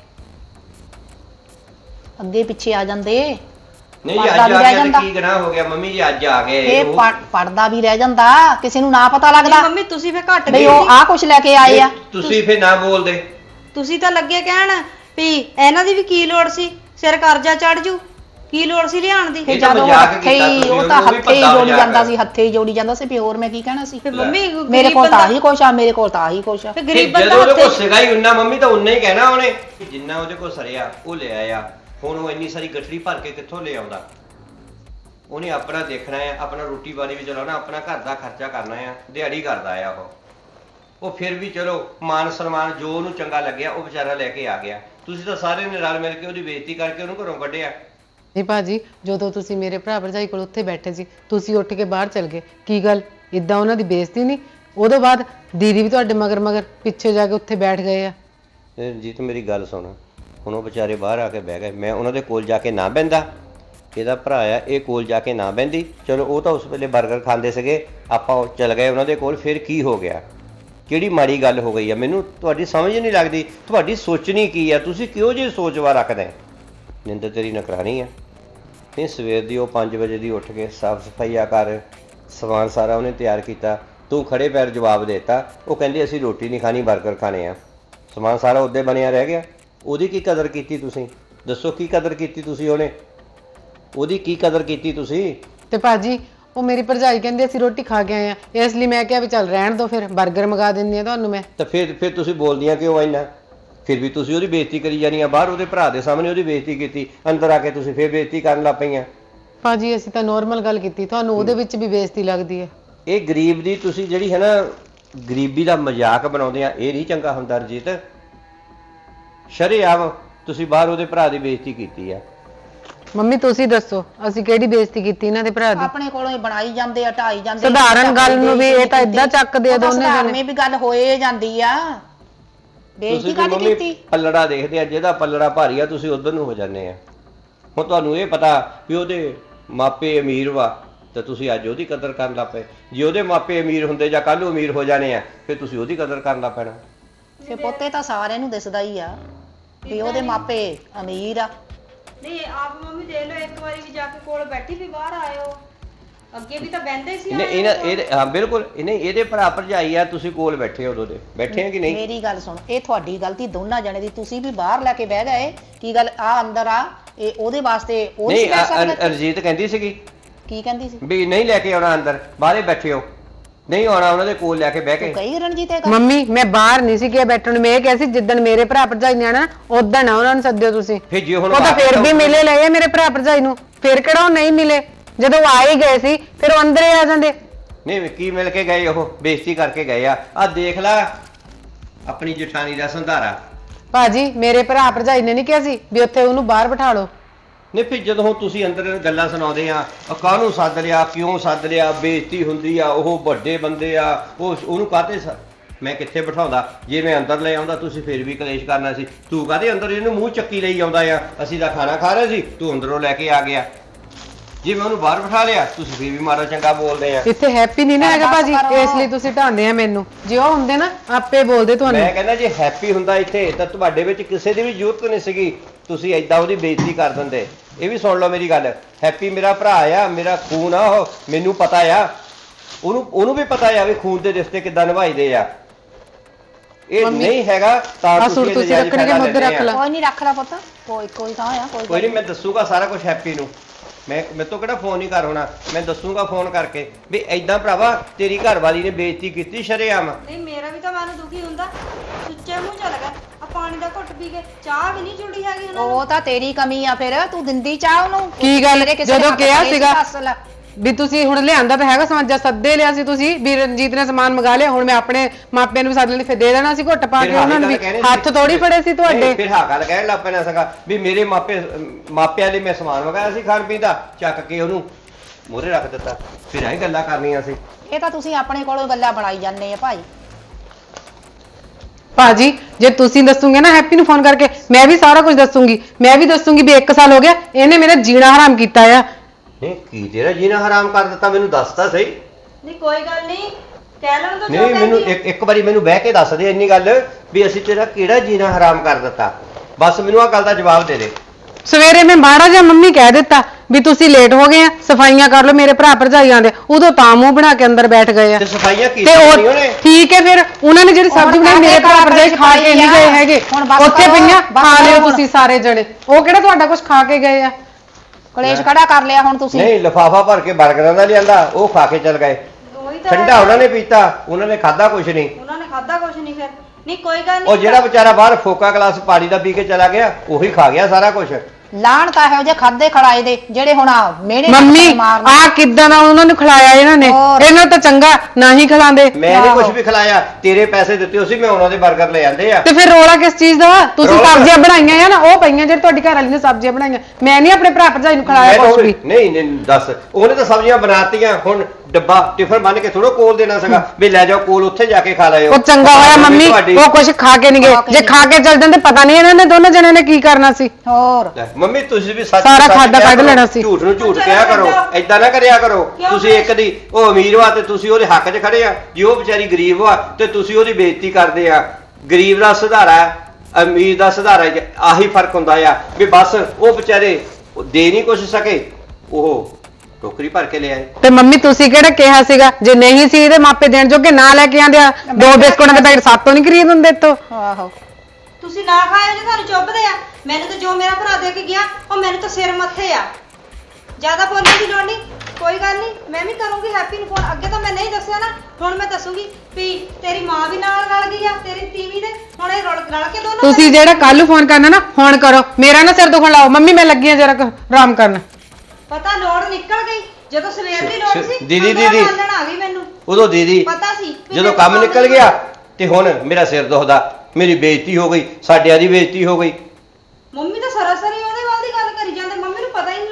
Speaker 6: ਅੱਗੇ ਪਿੱਛੇ ਆ ਜਾਂਦੇ।
Speaker 5: ਨਹੀਂ
Speaker 6: ਪੜ੍ਹਦਾ
Speaker 5: ਅੱਜ
Speaker 6: ਵੀ
Speaker 5: ਆ
Speaker 6: ਰਹਿ
Speaker 5: ਗਿਆ ਤੇ
Speaker 6: ਜਾਂਦਾ।
Speaker 5: ਕੀ ਗੁਨਾਹ ਹੋ ਗਿਆ ਮੰਮੀ ਜੀ? ਅੱਜ ਆ ਗਏ
Speaker 6: ਇਹ
Speaker 5: ਉਹ।
Speaker 6: ਪੜਦਾ ਵੀ ਰਹਿ ਜਾਂਦਾ, ਕਿਸੇ ਨੂੰ ਨਾ ਪਤਾ ਲੱਗਦਾ
Speaker 3: ਮੰਮੀ ਤੁਸੀਂ ਫੇ ਘੱਟ
Speaker 6: ਬਈ
Speaker 3: ਗਏ
Speaker 6: ਉਹ ਆ ਕੁਛ ਲੈ ਕੇ ਆਏ ਆ।
Speaker 5: ਤੁਸੀਂ ਫੇਰ ਨਾ ਬੋਲਦੇ।
Speaker 3: ਤੁਸੀਂ ਤਾਂ ਲੱਗੇ ਕਹਿਣ ਵੀ ਇਹਨਾਂ ਦੀ ਵੀ ਕੀ ਲੋੜ ਸੀ, ਸਿਰ ਕਰਜ਼ਾ ਚੜ ਜੂ, ਕੀ ਲੋੜ ਸੀ ਲਿਆਉਣ ਦੀ?
Speaker 5: ਇਹ ਤਾਂ
Speaker 6: ਜਦੋਂ
Speaker 5: ਮਜ਼ਾਕ
Speaker 6: ਹੱਥੇ
Speaker 5: ਕੀਤਾ
Speaker 6: ਹੀ
Speaker 5: ਤੁਸੀਂ,
Speaker 6: ਉਹ ਤਾਂ
Speaker 5: ਉਹਨੂੰ ਵੀ
Speaker 6: ਹੱਥੇ ਹੀ
Speaker 5: ਪਤਾ
Speaker 6: ਜੋੜੀ
Speaker 5: ਮਜ਼ਾਕ
Speaker 6: ਜਾਂਦਾ
Speaker 5: ਆ।
Speaker 6: ਸੀ, ਹੱਥੇ ਹੀ ਜੋੜੀ ਜਾਂਦਾ ਸੀ। ਵੀ ਹੋਰ ਮੈਂ ਕੀ ਕਹਿਣਾ ਸੀ?
Speaker 3: ਫੇ ਮੰਮੀ
Speaker 6: ਮੇਰੇ ਕੋਲ ਤਾਂ ਆਹੀ ਕੁਛ ਆ, ਮੇਰੇ ਕੋਲ ਤਾਂ ਆਹੀ ਕੁਛ ਆ।
Speaker 3: ਫੇ
Speaker 5: ਤੇ
Speaker 3: ਗਰੀਬ
Speaker 5: ਜਦੋਂ
Speaker 3: ਬੰਦਾ
Speaker 5: ਉਹਦੇ ਕੋਲ
Speaker 3: ਹੱਥੇ
Speaker 5: ਸਿਗਾ ਹੀ ਉਨਾ ਮੰਮੀ ਤਾਂ ਉਨਾ ਹੀ ਕਹਿਣਾ ਉਹਨੇ, ਕਿ ਜਿੰਨਾ ਉਹਦੇ ਕੋਲ ਸਰਿਆ ਉਹ ਲੈ ਆਇਆ। ਹੁਣ ਉਹ ਇੰਨੀ ਸਾਰੀ ਗੱਠੜੀ ਭਰ ਕੇ ਕਿੱਥੋਂ ਲੈ ਆਉਂਦਾ? ਉਹਨੇ ਆਪਣਾ ਦੇਖਣਾ ਆ, ਆਪਣਾ ਰੋਟੀ ਪਾਣੀ ਵੀ ਚਲਾਉਣਾ, ਆਪਣਾ ਘਰ ਦਾ ਖਰਚਾ ਕਰਨਾ ਆ, ਦਿਹਾੜੀ ਕਰਦਾ ਆ ਉਹ। ਉਹ ਫਿਰ ਵੀ ਚਲੋ ਮਾਨ ਸਨਮਾਨ ਜੋ ਉਹਨੂੰ ਚੰਗਾ ਲੱਗਿਆ ਉਹ ਵਿਚਾਰਾ ਲੈ ਕੇ ਆ ਗਿਆ। ਤੁਸੀਂ ਤਾਂ ਸਾਰੇ ਨੇ ਰਲ ਮਿਲ ਕੇ ਉਹਦੀ ਬੇਇੱਜ਼ਤੀ ਕਰਕੇ ਉਹਨੂੰ ਘਰੋਂ ਕੱਢਿਆ।
Speaker 2: ਨਹੀਂ ਭਾਜੀ, ਜਦੋਂ ਤੁਸੀਂ ਮੇਰੇ ਭਰਾ ਭਰਜਾਈ ਕੋਲ ਉੱਥੇ ਬੈਠੇ ਸੀ ਤੁਸੀਂ ਉੱਠ ਕੇ ਬਾਹਰ ਚਲ ਗਏ, ਕੀ ਗੱਲ ਇਦਾਂ ਉਹਨਾਂ ਦੀ ਬੇਇੱਜ਼ਤੀ ਨਹੀਂ? ਉਹਦੇ ਬਾਅਦ ਦੀਦੀ ਵੀ ਤੁਹਾਡੇ ਮਗਰ ਮਗਰ ਪਿੱਛੇ ਜਾ ਕੇ ਉੱਥੇ ਬੈਠ ਗਏ ਆ।
Speaker 5: ਰਣਜੀਤ ਮੇਰੀ ਗੱਲ ਸੁਣ, ਹੁਣ ਉਹ ਵਿਚਾਰੇ ਬਾਹਰ ਆ ਕੇ ਬਹਿ ਗਏ, ਮੈਂ ਉਹਨਾਂ ਦੇ ਕੋਲ ਜਾ ਕੇ ਨਾ ਬਹਿੰਦਾ? ਇਹਦਾ ਭਰਾ ਆ, ਇਹ ਕੋਲ ਜਾ ਕੇ ਨਾ ਬਹਿੰਦੀ? ਚਲੋ ਉਹ ਤਾਂ ਉਸ ਵੇਲੇ 버ਗਰ ਖਾਂਦੇ ਸੀਗੇ, ਆਪਾਂ ਚਲ ਗਏ ਉਹਨਾਂ ਦੇ ਕੋਲ, ਫਿਰ ਕੀ ਹੋ ਗਿਆ? ਕਿਹੜੀ ਮਾੜੀ ਗੱਲ ਹੋ ਗਈ ਆ? ਮੈਨੂੰ ਤੁਹਾਡੀ ਸਮਝ ਨਹੀਂ ਲੱਗਦੀ, ਤੁਹਾਡੀ ਸੋਚਣੀ ਕੀ ਆ? ਤੁਸੀਂ ਕਿਉਂ ਜਿਹੀ ਸੋਚਵਾ ਰੱਖਦੇ? ਨਿੰਦਰ ਤੇਰੀ ਨਕਰਾਣੀ ਆ। ਨਹੀਂ ਸਵੇਰ ਦੀ ਉਹ ਪੰਜ ਵਜੇ ਦੀ ਉੱਠ ਕੇ ਸਾਫ਼ ਸਫਾਈਆ ਕਰ, ਸਮਾਨ ਸਾਰਾ ਉਹਨੇ ਤਿਆਰ ਕੀਤਾ, ਤੂੰ ਖੜੇ ਪੈਰ ਜਵਾਬ ਦੇਤਾ। ਉਹ ਕਹਿੰਦੀ ਅਸੀਂ ਰੋਟੀ ਨਹੀਂ ਖਾਣੀ, 버ਗਰ ਖਾਣੇ ਆ। ਸਮਾਨ ਸਾਰਾ ਉੱਦੇ ਬਣਿਆ ਰਹਿ ਗਿਆ। ਉਹਦੀ ਕੀ ਕਦਰ ਕੀਤੀ ਤੁਸੀਂ? ਦੱਸੋ ਕੀ ਕਦਰ ਕੀਤੀ ਤੁਸੀਂ? ਉਹਨੇ ਉਹਦੀ ਕੀ ਕਦਰ ਕੀਤੀ ਤੁਸੀਂ?
Speaker 2: ਤੇ ਭਾਜੀ ਉਹ ਮੇਰੀ ਭਰਜਾਈ ਕਹਿੰਦੀ ਅਸੀਂ ਰੋਟੀ ਖਾ ਕੇ ਆਏ ਆ, ਇਸ ਲਈ ਮੈਂ ਕਿਹਾ ਵੀ ਚੱਲ ਰਹਿਣ ਦੋ, ਫਿਰ 버ਗਰ ਮੰਗਾ ਦਿੰਦੀ ਆ ਤੁਹਾਨੂੰ ਮੈਂ।
Speaker 5: ਤਾਂ ਫਿਰ ਫਿਰ ਤੁਸੀਂ ਬੋਲਦੀਆਂ ਕਿਉਂ ਇੰਨਾ? ਫਿਰ ਵੀ ਤੁਸੀਂ ਉਹਦੀ ਬੇਇੱਜ਼ਤੀ ਕਰੀ ਜਾਣੀ ਆ, ਬਾਹਰ ਉਹਦੇ ਭਰਾ ਦੇ ਸਾਹਮਣੇ ਉਹਦੀ ਬੇਇੱਜ਼ਤੀ ਕੀਤੀ, ਅੰਦਰ ਆ ਕੇ ਤੁਸੀਂ ਫਿਰ ਬੇਇੱਜ਼ਤੀ ਕਰਨ ਲੱਗ ਪਈਆਂ।
Speaker 2: ਭਾਜੀ ਅਸੀਂ ਤਾਂ ਨੋਰਮਲ ਗੱਲ ਕੀਤੀ, ਤੁਹਾਨੂੰ ਉਹਦੇ ਵਿੱਚ ਵੀ ਬੇਇੱਜ਼ਤੀ ਲੱਗਦੀ ਹੈ।
Speaker 5: ਇਹ ਗਰੀਬ ਦੀ ਤੁਸੀਂ ਜਿਹੜੀ ਹੈ ਨਾ ਗਰੀਬੀ ਦਾ ਮਜ਼ਾਕ ਬਣਾਉਂਦੇ ਆ, ਇਹ ਨਹੀਂ ਚੰਗਾ ਹੁੰਦਾ ਰਣਜੀਤ। ਸ਼ਰੇਆਮ ਤੁਸੀਂ ਬਾਹਰ ਉਹਦੇ ਭਰਾ ਦੀ ਬੇਇੱਜ਼ਤੀ ਕੀਤੀ ਆ।
Speaker 2: ਮੰਮੀ ਤੁਸੀਂ ਦੱਸੋ ਅਸੀਂ ਕਿਹੜੀ ਬੇਇੱਜ਼ਤੀ ਕੀਤੀ ਇਹਨਾਂ ਦੇ ਭਰਾ ਦੀ?
Speaker 6: ਆਪਣੇ ਕੋਲੋਂ ਹੀ ਬਣਾਈ ਜਾਂਦੇ ਆ, ਢਾਈ ਜਾਂਦੇ ਆ।
Speaker 2: ਸਧਾਰਨ ਗੱਲ ਨੂੰ ਵੀ ਇਹ ਤਾਂ ਏਦਾਂ ਚੱਕਦੇ ਆ
Speaker 6: ਉਹ ਤਾਂ
Speaker 2: ਦੋਨੇ
Speaker 6: ਸਧਾਰਨ
Speaker 2: ਜਣੇ।
Speaker 6: ਵੀ ਗੱਲ ਹੋਏ ਜਾਂਦੀ ਆ, ਬੇਇੱਜ਼ਤੀ
Speaker 5: ਤੁਸੀਂ
Speaker 6: ਕਾਹਦੀ
Speaker 5: ਮੰਮੀ
Speaker 6: ਕੀਤੀ?
Speaker 5: ਪੱਲੜਾ ਦੇਖਦੇ ਆ, ਜਿਹਦਾ ਪੱਲੜਾ ਭਾਰੀ ਆ ਤੁਸੀਂ ਉਧਰ ਨੂੰ ਹੋ ਜਾਂਦੇ ਆ। ਹੁਣ ਤੁਹਾਨੂੰ ਇਹ ਪਤਾ ਵੀ ਉਹਦੇ ਮਾਪੇ ਅਮੀਰ ਵਾ ਤਾਂ ਤੁਸੀਂ ਅੱਜ ਉਹਦੀ ਕਦਰ ਕਰਨ ਲੱਗ ਪਏ। ਜੇ ਉਹਦੇ ਮਾਪੇ ਅਮੀਰ ਹੁੰਦੇ ਜਾਂ ਕੱਲ੍ਹ ਨੂੰ ਅਮੀਰ ਹੋ ਜਾਣੇ ਆ ਫਿਰ ਤੁਸੀਂ ਉਹਦੀ ਕਦਰ ਕਰਨ ਲੱਗ ਪੈਣਾ।
Speaker 6: ਤੇ ਪੋਤੇ ਤਾਂ ਸਾਰਿਆਂ ਨੂੰ ਦਿਸਦਾ ਹੀ ਆ ਵੀ ਉਹਦੇ ਮਾਪੇ ਅਮੀਰ ਆ।
Speaker 3: ਨਹੀਂ ਆਪ ਮੰਮੀ ਦੇਖ ਲਓ, ਇੱਕ ਵਾਰੀ ਵੀ ਜਾ ਕੇ ਕੋਲ ਬੈਠੀ ਵੀ ਬਾਹਰ ਆਇਓ, ਅੱਗੇ ਵੀ ਤਾਂ ਬਹਿੰਦੇ ਸੀ।
Speaker 5: ਇਹਨੇ ਇਹਨਾਂ ਇਹਦੇ ਹਾਂ ਬਿਲਕੁਲ ਇਹਨੇ ਇਹਦੇ ਭਰਾ ਭਰਜਾਈ ਆ, ਤੁਸੀਂ ਕੋਲ ਬੈਠੇ ਹੋ ਉਦੋਂ ਦੇ, ਬੈਠੇ ਆ ਕਿ ਨਹੀਂ?
Speaker 6: ਮੇਰੀ ਗੱਲ ਸੁਣ, ਇਹ ਤੁਹਾਡੀ ਗਲਤੀ ਦੋਨਾਂ ਜਣੇ ਦੀ। ਤੁਸੀਂ ਵੀ ਬਾਹਰ ਲੈ ਕੇ ਬਹਿ ਗਏ। ਕੀ ਗੱਲ ਆ ਅੰਦਰ ਆ, ਇਹ ਉਹਦੇ ਵਾਸਤੇ ਉਹ ਨਹੀਂ
Speaker 5: ਨਹੀਂ
Speaker 6: ਬਹਿ
Speaker 5: ਅ- ਅ-
Speaker 6: ਸਕਦਾ?
Speaker 5: ਅਰਜੀਤ ਕਹਿੰਦੀ ਸੀਗੀ
Speaker 6: ਕੀ ਕਹਿੰਦੀ ਸੀ?
Speaker 5: ਵੀ ਨਹੀਂ ਲੈ ਕੇ ਆਉਣਾ ਅੰਦਰ, ਬਾਹਰੇ ਬੈਠੇ ਹੋ, ਨਹੀਂ ਆਉਣਾ ਉਹਨਾਂ ਦੇ ਕੋਲ ਲੈ ਕੇ ਬਹਿ ਕੇ।
Speaker 6: ਤੂੰ ਕਹੀ ਰਣਜੀਤ ਇਹ ਗੱਲ?
Speaker 2: ਮੰਮੀ ਮੈਂ ਬਾਹਰ ਨਹੀਂ ਸੀ ਕਿਹਾ ਬੈਠਣ ਨੂੰ, ਮੈਂ ਇਹ ਕਿਹਾ ਸੀ ਜਿੱਦਣ ਮੇਰੇ ਭਰਾ ਭਰਜਾਈ ਨੇ ਆਣਾ ਉਦੋਂ ਨਾ ਉਹਨਾਂ ਨੂੰ ਸੱਦਿਓ ਤੁਸੀਂ।
Speaker 5: ਫਿਰ ਜੇ ਹੁਣ
Speaker 2: ਉਹ ਤਾਂ ਫੇਰ ਵੀ ਮਿਲੇ ਲਏ ਮੇਰੇ ਭਰਾ ਭਰਜਾਈ ਨੂੰ, ਫੇਰ ਕਿਹੜਾ ਉਹ ਨਹੀਂ ਮਿਲੇ? ਜਦੋਂ ਉਹ ਆ ਹੀ ਗਏ ਸੀ ਫਿਰ ਉਹ ਅੰਦਰ ਹੀ ਆ ਜਾਂਦੇ।
Speaker 5: ਨਹੀਂ ਕੀ ਮਿਲ ਕੇ ਗਏ, ਉਹ ਬੇਇੱਜ਼ਤੀ ਕਰਕੇ ਗਏ ਆ। ਆ ਦੇਖ ਲੈ ਆਪਣੀ ਜਠਾਣੀ ਦਾ ਸੰਧਾਰਾ।
Speaker 2: ਭਾਜੀ ਮੇਰੇ ਭਰਾ ਭਰਜਾਈ ਨੇ ਨਹੀਂ ਕਿਹਾ ਸੀ ਵੀ ਉੱਥੇ ਉਹਨੂੰ ਬਾਹਰ ਬਿਠਾ ਲਓ?
Speaker 5: ਨਹੀਂ ਫਿਰ ਜਦੋਂ ਹੁਣ ਤੁਸੀਂ ਅੰਦਰ ਗੱਲਾਂ ਸੁਣਾਉਂਦੇ ਆ, ਕਾਹਨੂੰ ਸੱਦ ਲਿਆ, ਕਿਉਂ ਸੱਦ ਲਿਆ, ਬੇਇੱਜ਼ਤੀ ਹੁੰਦੀ ਆ, ਉਹ ਵੱਡੇ ਬੰਦੇ ਆ, ਉਹ ਉਹਨੂੰ ਕਾਹਤੇ ਮੈਂ ਕਿੱਥੇ ਬਿਠਾਉਂਦਾ? ਜੇ ਮੈਂ ਅੰਦਰ ਲੈ ਆਉਂਦਾ ਤੁਸੀਂ ਫਿਰ ਵੀ ਕਲੇਸ਼ ਕਰਨਾ ਸੀ। ਤੂੰ ਕਾਹਦੇ ਅੰਦਰ ਇਹਨੂੰ ਮੂੰਹ ਚੱਕੀ ਲਈ ਆਉਂਦਾ ਆ? ਅਸੀਂ ਤਾਂ ਖਾਣਾ ਖਾ ਰਹੇ ਸੀ, ਤੂੰ ਅੰਦਰੋਂ ਲੈ ਕੇ ਆ ਗਿਆ। ਜੇ ਮੈਂ ਉਹਨੂੰ ਬਾਹਰ ਬਿਠਾ ਲਿਆ ਤੁਸੀਂ ਫਿਰ ਵੀ ਮਾੜਾ ਚੰਗਾ ਬੋਲਦੇ ਆ।
Speaker 2: ਇੱਥੇ ਹੈਪੀ ਨਹੀਂ ਨਾ ਹੈਗਾ ਭਾਜੀ, ਇਸ ਲਈ ਤੁਸੀਂ ਢਾਉਂਦੇ ਆ ਮੈਨੂੰ। ਜੇ ਉਹ ਹੁੰਦੇ ਨਾ ਆਪੇ ਬੋਲਦੇ ਤੁਹਾਨੂੰ।
Speaker 5: ਮੈਂ ਕਹਿੰਦਾ ਜੇ ਹੈਪੀ ਹੁੰਦਾ ਇੱਥੇ ਤਾਂ ਤੁਹਾਡੇ ਵਿੱਚ ਕਿਸੇ ਦੀ ਵੀ ਜ਼ਰੂਰਤ ਨਹੀਂ ਸੀਗੀ, ਤੁਸੀਂ ਏਦਾਂ ਉਹਦੀ ਬੇਇੱਜ਼ਤੀ ਕਰ ਦਿੰਦੇ। ਇਹ ਵੀ ਸੁਣ ਲਓ ਮੇਰੀ ਗੱਲ, ਹੈਪੀ ਮੇਰਾ ਭਰਾ ਆ, ਮੇਰਾ ਖੂਨ ਆ, ਉਹ ਮੈਨੂੰ ਪਤਾ ਆ, ਉਹਨੂੰ ਉਹਨੂੰ ਵੀ ਪਤਾ ਆ ਵੀ ਖੂਨ ਦੇ ਰਿਸ਼ਤੇ ਕਿੱਦਾਂ ਨਿਭਾਈਦੇ ਆ। ਇਹ ਨਹੀਂ ਹੈਗਾ ਤਾਂ
Speaker 2: ਆ ਸੂਟ ਤੁਸੀਂ ਰੱਖਣਗੇ ਮੁੱਦੇ ਰੱਖ ਲਾ।
Speaker 6: ਕੋਈ ਨਹੀਂ ਰੱਖ ਲਾ ਪੁੱਤ, ਕੋਈ ਕੋਈ ਤਾਂ ਆ ਕੋਈ
Speaker 5: ਕੋਈ ਨਹੀਂ, ਮੈਂ ਦੱਸੂਗਾ ਸਾਰਾ ਕੁਝ ਹੈਪੀ ਨੂੰ। ਮੈਂ ਮੇਰੇ ਤੋਂ ਕਿਹੜਾ ਫੋਨ ਨਹੀਂ ਕਰ ਹੋਣਾ, ਮੈਂ ਦੱਸੂਗਾ ਫੋਨ ਕਰਕੇ ਵੀ ਏਦਾਂ ਭਰਾਵਾ ਤੇਰੀ ਘਰ ਵਾਲੀ ਨੇ ਬੇਇੱਜ਼ਤੀ ਕੀਤੀ ਸ਼ਰੇਆਮ।
Speaker 3: ਨਹੀਂ ਮੇਰਾ ਵੀ ਤਾਂ ਮਨ ਦੁਖੀ ਹੁੰਦਾ, ਸੁੱਚੇ ਮੂੰਹ ਚੱਲ ਗਿਆ ਆ ਪਾਣੀ ਦਾ ਘੁੱਟ ਪੀ ਕੇ, ਚਾਹ ਵੀ ਨਹੀਂ ਜੁੜੀ ਹੈਗੀ ਉਹਨਾਂ ਨੂੰ।
Speaker 6: ਉਹ ਤਾਂ ਤੇਰੀ ਕਮੀ ਆ, ਫਿਰ ਤੂੰ ਦਿੰਦੀ ਚਾਹ ਉਹਨੂੰ।
Speaker 2: ਕੀ ਗੱਲ
Speaker 6: ਤੇਰੇ ਕਿਸੇ ਨੇ
Speaker 2: ਜਦੋਂ
Speaker 6: ਹੱਥ
Speaker 2: ਕਿਹਾ
Speaker 6: ਫੜੇ ਸੀ
Speaker 2: ਸੀਗਾ
Speaker 6: ਦੱਸ ਲੈ।
Speaker 2: ਵੀ ਤੁਸੀਂ ਹੁਣ ਲਿਆਂਦਾ ਤਾਂ ਹੈਗਾ ਸਮਾਨ, ਜਾਂ ਸੱਦੇ ਲਿਆ ਸੀ ਤੁਸੀਂ ਵੀ ਰਣਜੀਤ ਨੇ ਸਮਾਨ ਮੰਗਾ ਲਿਆ, ਹੁਣ ਮੈਂ ਆਪਣੇ ਮਾਪਿਆਂ ਨੂੰ ਵੀ ਸੱਦ ਲੈਂਦੀ ਫਿਰ ਦੇ ਦੇਣਾ ਸੀ ਘੁੱਟ ਪਾ ਕੇ ਉਹਨਾਂ ਨੂੰ ਵੀ। ਹੱਥ ਥੋੜੀ ਫੜੇ ਸੀ ਤੁਹਾਡੇ।
Speaker 5: ਫਿਰ ਹਾਂ ਗੱਲ ਕਹਿਣ ਲੱਗ ਪੈਣਾ ਸੀਗਾ ਵੀ ਮੇਰੇ ਮਾਪੇ ਮਾਪਿਆਂ ਲਈ ਮੈਂ ਸਮਾਨ ਮੰਗਾਇਆ ਸੀ ਖਾਣ ਪੀਣ ਦਾ, ਚੱਕ ਕੇ ਉਹਨੂੰ ਮੂਹਰੇ ਰੱਖ ਦਿੱਤਾ। ਫਿਰ ਐਂ ਗੱਲਾਂ ਕਰਨੀਆਂ ਸੀ।
Speaker 6: ਇਹ ਤਾਂ ਤੁਸੀਂ ਆਪਣੇ ਕੋਲੋਂ ਗੱਲਾਂ ਬਣਾਈ ਜਾਂਦੇ ਆ ਭਾਈ।
Speaker 2: ਭਾਜੀ ਜੇ ਤੁਸੀਂ ਦੱਸੋਗੇ ਨਾ ਹੈਪੀ ਨੂੰ ਫੋਨ ਕਰਕੇ, ਮੈਂ ਵੀ ਸਾਰਾ ਕੁਝ ਦੱਸੂਗੀ। ਮੈਂ ਵੀ ਦੱਸੂਗੀ ਵੀ ਇੱਕ ਸਾਲ ਹੋ ਗਿਆ ਇਹਨੇ ਮੇਰਾ ਜੀਣਾ ਹਰਾਮ ਕੀਤਾ ਆ।
Speaker 5: ਨਹੀਂ ਕੀ ਤੇਰਾ ਜੀਣਾ ਹਰਾਮ ਕਰ ਦਿੱਤਾ, ਮੈਨੂੰ ਦੱਸ ਤਾਂ ਸਹੀ।
Speaker 3: ਨਹੀਂ ਕੋਈ ਗੱਲ ਨਹੀਂ, ਕਹਿ ਲੈਣ ਤਾਂ।
Speaker 5: ਨਹੀਂ ਮੈਨੂੰ ਇੱਕ ਇੱਕ ਵਾਰੀ ਮੈਨੂੰ ਬਹਿ ਕੇ ਦੱਸ ਦੇ ਇੰਨੀ ਗੱਲ ਵੀ ਅਸੀਂ ਤੇਰਾ ਕਿਹੜਾ ਜੀਣਾ ਹਰਾਮ ਕਰ ਦਿੱਤਾ। ਬਸ ਮੈਨੂੰ ਆਹ ਗੱਲ ਦਾ ਜਵਾਬ ਦੇ ਦੇ।
Speaker 2: ਸਵੇਰੇ ਮੈਂ ਮਾੜਾ ਜਿਹਾ ਮੰਮੀ ਕਹਿ ਦਿੱਤਾ ਵੀ ਤੁਸੀਂ ਲੇਟ ਹੋ ਗਏ ਆ, ਸਫਾਈਆਂ ਕਰ ਲਓ, ਮੇਰੇ ਭਰਾ ਭਰਜਾਈ ਆਂਦੇ, ਉਦੋਂ ਤਾਂ ਮੂੰਹ ਬਣਾ ਕੇ ਅੰਦਰ ਬੈਠ ਗਏ ਆ।
Speaker 5: ਤੇ ਸਫਾਈਆਂ
Speaker 2: ਤੇ
Speaker 5: ਕੀਤੀਆਂ ਨਹੀਂ
Speaker 2: ਉਹ
Speaker 5: ਉਹਨੇ।
Speaker 2: ਠੀਕ ਹੈ, ਫਿਰ ਉਹਨਾਂ ਨੇ ਜਿਹੜੀ ਸਬਜ਼ੀ ਬਣਾਈ ਮੇਰੇ ਭਰਾ ਭਰਜਾਈ ਖਾ ਕੇ ਨਹੀਂ ਗਏ ਹੈਗੇ, ਉੱਥੇ ਪਈਆਂ ਖਾ ਲਿਓ ਤੁਸੀਂ ਸਾਰੇ ਜਣੇ। ਉਹ ਕਿਹੜਾ ਤੁਹਾਡਾ ਕੁਝ ਖਾ ਕੇ ਗਏ ਆ?
Speaker 6: ਕਲੇਸ਼ ਖੜਾ ਕਰ ਲਿਆ ਹੁਣ ਤੁਸੀਂ।
Speaker 5: ਨਹੀਂ ਲਿਫਾਫਾ ਭਰ ਕੇ ਬਰਗਰਾਂ ਦਾ ਲਿਆਂਦਾ, ਉਹ ਖਾ ਕੇ ਚੱਲ ਗਏ।
Speaker 3: ਉਹੀ ਤਾਂ
Speaker 5: ਠੰਡਾ ਉਹਨਾਂ ਨੇ ਪੀਤਾ, ਉਹਨਾਂ ਨੇ ਖਾਦਾ ਕੁਛ ਨਹੀਂ।
Speaker 3: ਉਹਨਾਂ ਨੇ ਖਾਦਾ ਕੁਝ ਨਹੀਂ। ਫਿਰ ਨਹੀਂ ਕੋਈ ਗੱਲ ਨਹੀਂ।
Speaker 5: ਉਹ ਜਿਹੜਾ ਵਿਚਾਰਾ ਬਾਹਰ ਫੋਕਾ ਗਲਾਸ ਪਾਣੀ ਦਾ ਪੀ ਕੇ ਚਲਾ ਗਿਆ, ਉਹੀ ਖਾ ਗਿਆ ਸਾਰਾ ਕੁਝ।
Speaker 6: ਲਾਣ ਤਾਂ ਇਹੋ ਜਿਹੇ ਖਾਦੇ ਖੜਾਏ ਦੇ ਜਿਹੜੇ ਹੁਣ ਮਿਹਣੇ
Speaker 2: ਮੰਮੀ ਆ ਕਿੱਦਾਂ ਦਾ ਉਹਨਾਂ ਨੂੰ ਖਿਲਾਇਆ ਇਹਨਾਂ ਨੇ, ਇਹਨਾਂ ਤਾਂ ਚੰਗਾ ਨਾ ਹੀ ਖਿਲਾਉਂਦੇ।
Speaker 5: ਮੈਂ ਨਹੀਂ ਕੁਝ ਵੀ ਖਿਲਾਇਆ, ਤੇਰੇ ਪੈਸੇ ਦਿੱਤੇ ਸੀ, ਮੈਂ ਉਹਨਾਂ ਦੇ 버ਗਰ ਲੈ ਆਂਦੇ ਆ।
Speaker 2: ਤੇ ਫਿਰ ਰੋਲਾ ਕਿਸ ਚੀਜ਼ ਦਾ? ਤੁਸੀਂ ਸਬਜ਼ੀਆਂ ਬਣਾਈਆਂ ਆ ਨਾ, ਉਹ ਪਈਆਂ ਜਿਹੜੀ ਤੁਹਾਡੀ ਘਰ ਵਾਲੀ ਨੇ ਸਬਜ਼ੀਆਂ ਬਣਾਈਆਂ। ਮੈਂ ਨਹੀਂ ਆਪਣੇ ਭਰਾ ਭਰਜਾਈ ਨੂੰ ਖਿਲਾਇਆ ਕੁਝ ਵੀ।
Speaker 5: ਨਹੀਂ ਨਹੀਂ ਦੱਸ, ਉਹਨੇ ਤਾਂ ਸਬਜ਼ੀਆਂ ਬਣਾਤੀਆਂ, ਹੁਣ ਡੱਬਾ ਟਿਫਨ ਬੰਨ ਕੇ ਥੋੜਾ ਕੋਲ ਦੇਣਾ ਸੀਗਾ ਵੀ ਲੈ ਜਾਓ ਕੋਲ, ਉੱਥੇ ਜਾ ਕੇ ਖਾ ਲਿਓ।
Speaker 2: ਉਹ ਚੰਗਾ ਹੋਇਆ ਮੰਮੀ ਉਹ ਕੁਝ ਖਾ ਕੇ ਨਹੀਂ ਗਏ, ਜੇ ਖਾ ਕੇ ਚੱਲ ਜਾਂਦੇ ਪਤਾ ਨਹੀਂ ਇਹਨਾਂ ਨੇ ਦੋਨੋਂ ਜਣਿਆਂ ਨੇ ਕੀ ਕਰਨਾ ਸੀ।
Speaker 6: ਹੋਰ
Speaker 5: ਮੰਮੀ ਤੁਸੀਂ ਵੀ ਸੱਚ
Speaker 2: ਸਾਰਾ ਖਾਦਾ ਕੱਢ ਲੈਣਾ ਸੀ।
Speaker 5: ਝੂਠ ਨੂੰ ਝੂਠ ਕਿਹਾ ਕਰੋ, ਏਦਾਂ ਨਾ ਕਰਿਆ ਕਰੋ। ਤੁਸੀਂ ਇੱਕ ਦੀ ਉਹ ਅਮੀਰ ਵਾ ਤੇ ਤੁਸੀਂ ਉਹਦੇ ਹੱਕ 'ਚ ਖੜੇ ਆ, ਜੇ ਉਹ ਵਿਚਾਰੀ ਗਰੀਬ ਵਾ ਤੇ ਤੁਸੀਂ ਉਹਦੀ ਬੇਇੱਜ਼ਤੀ ਕਰਦੇ ਆ। ਗਰੀਬ ਦਾ ਸੁਧਾਰਾ, ਅਮੀਰ ਦਾ ਸੁਧਾਰਾ, ਆਹੀ ਫਰਕ ਹੁੰਦਾ ਆ ਵੀ ਬਸ ਉਹ ਵਿਚਾਰੇ ਦੇ ਨਹੀਂ ਕੁਛ ਸਕੇ, ਉਹ ਟੋਕਰੀ ਭਰ ਕੇ ਲੈ ਆਏ।
Speaker 2: ਤੇ ਮੰਮੀ ਤੁਸੀਂ ਕਿਹੜਾ ਕਿਹਾ ਸੀਗਾ ਜੇ ਨਹੀਂ ਸੀ ਇਹਦੇ ਮਾਪੇ ਦੇਣ ਜੋਗੇ ਨਾ ਲੈ ਕੇ ਆਂਦੇ ਆ? ਦੋ ਬਿਸਕੁਟਾਂ ਦੇ ਪੈਕਟ ਸਾਤੋਂ ਨਹੀਂ ਖਰੀਦ ਹੁੰਦੇ ਇੱਥੋਂ।
Speaker 6: ਆਹੋ
Speaker 3: ਤੁਸੀਂ ਨਾ ਖਾਇਓ ਜੇ ਤੁਹਾਨੂੰ ਚੁੱਭਦੇ ਆ। ਮੈਨੂੰ ਤਾਂ ਜੋ ਮੇਰਾ ਭਰਾ ਦੇ ਕੇ ਗਿਆ ਉਹ ਮੈਨੂੰ ਤਾਂ ਸਿਰ ਮੱਥੇ ਆ, ਜ਼ਿਆਦਾ ਬੋਲਣ ਦੀ ਲੋੜ ਨਹੀਂ। ਕੋਈ ਗੱਲ ਨਹੀਂ, ਮੈਂ ਵੀ ਕਰੂੰਗੀ ਹੈਪੀ ਨੂੰ ਫੋਨ। ਅੱਗੇ ਤਾਂ ਮੈਂ ਨਹੀਂ ਦੱਸਿਆ ਨਾ, ਹੁਣ ਮੈਂ ਦੱਸੂਗੀ ਵੀ ਤੇਰੀ ਮਾਂ ਵੀ ਨਾਲ ਰਲ ਗਈ ਆ, ਤੇਰੀ ਤੀਵੀਂ ਦੇ ਹੁਣ ਇਹ ਰਲ ਰਲ ਕੇ ਦੋਨੋਂ।
Speaker 2: ਤੁਸੀਂ ਜਿਹੜਾ ਕੱਲ ਫੋਨ ਕਰਨਾ ਨਾ ਹੁਣ ਕਰੋ, ਮੇਰਾ ਨਾ ਸਿਰ ਦੁਖਣ ਲਾਓ। ਮੰਮੀ ਮੈਂ ਲੱਗੀ ਆ ਜਰਾ ਆਰਾਮ ਕਰਨ।
Speaker 3: ਪਤਾ ਲੋੜ ਨਿਕਲ ਗਈ ਜਦੋਂ ਸਵੇਰ ਦੀ ਲੋੜ ਸੀ।
Speaker 5: ਦੀਦੀ
Speaker 3: ਅੰਦਰੋਂ
Speaker 5: ਦੀਦੀ
Speaker 3: ਬਾਲਣ ਆ ਗਈ ਮੈਨੂੰ
Speaker 5: ਉਦੋਂ ਦੀਦੀ
Speaker 3: ਪਤਾ ਸੀ ਵੀ
Speaker 5: ਜਦੋਂ
Speaker 3: ਮੇਰੇ
Speaker 5: ਕੰਮ
Speaker 3: ਕੋਲ
Speaker 5: ਨਿਕਲ ਗਿਆ ਤੇ ਹੁਣ ਮੇਰਾ ਸਿਰ ਦੁਖਦਾ, ਮੇਰੀ ਬੇਇੱਜ਼ਤੀ ਹੋ ਗਈ, ਸਾਡਿਆਂ ਦੀ ਬੇਇੱਜ਼ਤੀ ਹੋ ਗਈ।
Speaker 3: ਮੰਮੀ ਤਾਂ ਸਰਾਸਰੀ ਉਹਦੇ ਵੱਲ ਦੀ ਗੱਲ ਕਰੀ ਜਾਂਦੇ, ਮੰਮੀ ਨੂੰ ਪਤਾ ਹੀ ਨਹੀਂ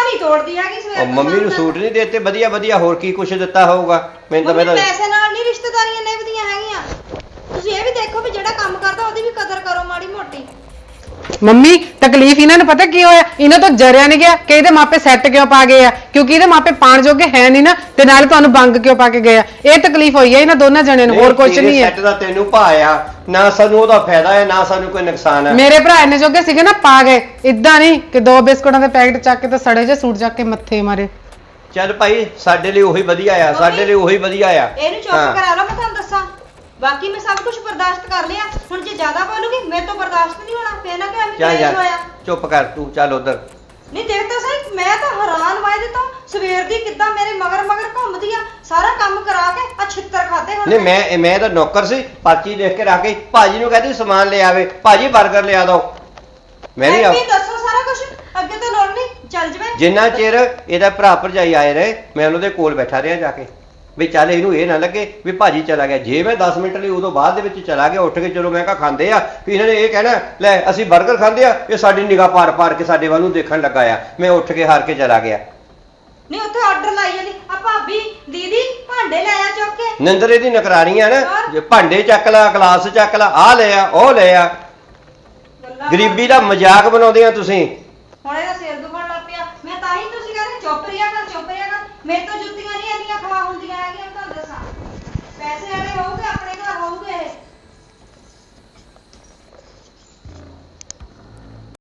Speaker 3: ਨਹੀਂ ਤੋੜਦੀ ਹੈਗੀ ਸਵੇਰ
Speaker 5: ਉਹ
Speaker 3: ਤੋਂ
Speaker 5: ਮੰਮੀ ਨੂੰ
Speaker 3: ਸ਼ਾਮ
Speaker 5: ਸੂਟ ਨਹੀਂ ਦੇਤੇ ਵਧੀਆ ਵਧੀਆ, ਹੋਰ ਕੀ ਕੁਛ ਦਿੱਤਾ ਹੋਊਗਾ? ਮੈਨੂੰ ਤਾਂ
Speaker 3: ਮੰਮੀ
Speaker 5: ਮੈਂ ਤਾਂ
Speaker 3: ਪੈਸੇ ਨਾਲ ਨਹੀਂ ਰਿਸ਼ਤੇਦਾਰੀਆਂ ਨਿਭਦੀਆਂ ਹੈਗੀਆਂ। ਤੁਸੀਂ ਇਹ ਵੀ ਦੇਖੋ ਵੀ ਜਿਹੜਾ ਕੰਮ ਕਰਦਾ ਉਹਦੀ ਵੀ ਕਦਰ ਕਰੋ ਮਾੜੀ ਮੋਟੀ।
Speaker 2: ਮੰਮੀ ਤਕਲੀਫ ਇਹਨਾਂ ਨੂੰ ਪਤਾ ਕੀ ਹੋਇਆ, ਇਹਨਾਂ ਤੋਂ ਜਰਿਆ ਨਹੀਂ ਗਿਆ ਕਿ ਇਹਦੇ ਮਾਪੇ ਸੈੱਟ ਕਿਉਂ ਪਾ ਗਏ ਆ, ਕਿਉਂਕਿ ਇਹਦੇ ਮਾਪੇ ਪਾਣ ਜੋਗੇ ਹੈ ਨਹੀਂ ਨਾ, ਤੇ ਨਾਲੇ ਤੁਹਾਨੂੰ ਬੰਗ ਕਿਉਂ ਪਾ ਕੇ ਗਏ ਆ। ਇਹ ਤਕਲੀਫ ਹੋਈ ਹੈ ਇਹਨਾਂ ਦੋਨਾਂ ਜਣਿਆਂ ਨੂੰ, ਹੋਰ ਕੁਝ ਨਹੀਂ ਹੈ।
Speaker 5: ਸੈੱਟ ਦਾ ਤੈਨੂੰ ਭਾਇਆ ਨਾ, ਸਾਨੂੰ ਉਹਦਾ ਫਾਇਦਾ ਹੈ ਨਾ ਸਾਨੂੰ ਕੋਈ ਨੁਕਸਾਨ ਹੈ।
Speaker 2: ਮੇਰੇ ਭਰਾ ਇੰਨੇ ਜੋਗੇ ਸੀਗੇ ਨਾ, ਪਾ ਗਏ। ਇਦਾਂ ਨਹੀਂ ਕਿ ਦੋ ਬਿਸਕੁਟਾਂ ਦੇ ਪੈਕਟ ਚੱਕ ਕੇ ਤੇ ਸੜੇ ਜਿਹੇ ਸੂਟ ਚੱਕ ਕੇ ਮੱਥੇ ਮਾਰੇ।
Speaker 5: ਚੱਲ ਭਾਈ ਸਾਡੇ ਲਈ ਉਹੀ ਵਧੀਆ ਆ, ਸਾਡੇ ਲਈ ਉਹੀ ਵਧੀਆ ਆ।
Speaker 3: ਇਹਨੂੰ ਚੁੱਪ ਕਰਾ ਲਓ, ਮੈਂ ਤੁਹਾਨੂੰ ਦੱਸਾਂ। ਬਾਕੀ ਮੈਂ ਸਭ ਕੁਝ ਬਰਦਾਸ਼ਤ ਕਰ ਲਿਆ, ਹੁਣ ਜੇ ਜ਼ਿਆਦਾ ਬੋਲੂਗੀ ਮੇਰੇ ਤੋਂ ਬਰਦਾਸ਼ਤ ਨਹੀਂ ਹੋਣਾ, ਫੇਰ ਨਾ ਕਿ ਐਵੇਂ
Speaker 5: ਚੱਲ
Speaker 3: ਕਲੇਸ਼
Speaker 5: ਯਾਰ
Speaker 3: ਹੋਇਆ।
Speaker 5: ਚੁੱਪ ਕਰ ਤੂੰ, ਚੱਲ ਉਧਰ।
Speaker 3: ਨਹੀਂ ਦੇਖ ਤਾਂ ਸਹੀ, ਮੈਂ ਤਾਂ ਹੈਰਾਨ ਵਾਇਦੇ ਤੋਂ ਸਵੇਰ ਦੀ ਕਿੱਦਾਂ ਮੇਰੇ ਮਗਰ ਮਗਰ ਘੁੰਮਦੀ ਆ, ਸਾਰਾ ਕੰਮ ਕਰਾ ਕੇ ਆ ਛਿੱਤਰ ਖਾਦੇ ਹੁਣ।
Speaker 5: ਨਹੀਂ ਮੈਂ ਮੈਂ ਤਾਂ ਨੌਕਰ ਸੀ, ਪਰਚੀ ਲਿਖ ਕੇ ਰੱਖ ਗਈ, ਭਾਜੀ ਨੂੰ ਕਹਿੰਦੀ ਸਮਾਨ ਲੈ ਆਵੇ, ਭਾਜੀ 버ਗਰ ਲਿਆ ਦੋ। ਮੈਂ ਨਹੀਂ ਆ
Speaker 3: ਦੱਸੋ ਸਾਰਾ ਕੁਝ, ਅੱਗੇ ਤਾਂ ਲੋੜ ਨਹੀਂ, ਚੱਲ ਜਵੇ।
Speaker 5: ਜਿੰਨਾ ਚਿਰ ਇਹਦਾ ਭਰਾ ਭਰਜਾਈ ਆਏ ਰਹੇ ਮੈਂ ਉਹਨਾਂ ਦੇ ਕੋਲ ਬੈਠਾ ਰਿਹਾ ਜਾ ਕੇ, ਵੀ ਚੱਲ ਇਹਨੂੰ ਇਹ ਨਾ ਲੱਗੇ ਵੀ ਭਾਜੀ ਚਲਾ ਗਿਆ। ਜੇ ਮੈਂ ਦਸ ਮਿੰਟ ਲਈ ਉਦੋਂ ਬਾਅਦ ਦੇ ਵਿੱਚ ਚਲਾ ਗਿਆ ਉੱਠ ਕੇ, ਚਲੋ ਮੈਂ ਕਿਹਾ ਖਾਂਦੇ ਆ, ਵੀ ਇਹਨਾਂ ਨੇ ਇਹ ਕਹਿਣਾ ਲੈ ਅਸੀਂ 버ਗਰ ਖਾਂਦੇ ਆ, ਇਹ ਸਾਡੀ ਨਿਗਾਹ ਪਾਰ ਪਾਰ ਕੇ ਸਾਡੇ ਵੱਲ ਨੂੰ ਦੇਖਣ ਲੱਗਾ ਆ। ਮੈਂ ਉੱਠ ਕੇ ਹਾਰ ਕੇ ਚਲਾ ਗਿਆ।
Speaker 3: ਨਹੀਂ ਉੱਥੇ ਆਰਡਰ ਲਾਈ ਜਾਂਦੀ ਆ, ਭਾਬੀ ਦੀਦੀ ਭਾਂਡੇ ਲੈ ਆ ਚੁੱਕ ਕੇ।
Speaker 5: ਨਿੰਦਰੇ ਦੀ ਨਕਰਾਨੀਆਂ ਨਾ, ਜੇ ਭਾਂਡੇ ਚੱਕ ਲਾ, ਗਲਾਸ ਚੱਕ ਲਾ, ਆਹ ਲੈ ਆ ਉਹ ਲੈ ਆ, ਗਰੀਬੀ ਦਾ ਮਜ਼ਾਕ ਬਣਾਉਂਦੇ ਆ ਤੁਸੀਂ।
Speaker 3: ਹੁਣ ਇਹਦਾ ਸਿਰ ਦੁਖਣ ਲੱਗ ਪਿਆ, ਮੈਂ ਤਾਂ ਹੀ ਤੁਸੀਂ ਕਹਿੰਦੇ ਚੁੱਪ ਰਿਆ ਕਰ ਚੁੱਪ ਰਿਆ ਕਰ। ਮੇਰੇ ਤੋਂ ਜੁੱਤੀਆਂ ਨਹੀਂ ਇੰਨੀਆਂ ਖਵਾ ਹੁੰਦੀਆਂ ਹੈਗੀਆਂ, ਤੁਹਾਨੂੰ ਦੱਸਾਂ। ਪੈਸੇ ਵਾਲੇ ਹੋਊਗੇ ਆਪਣੇ ਘਰ ਹੋਊਗੇ ਇਹ।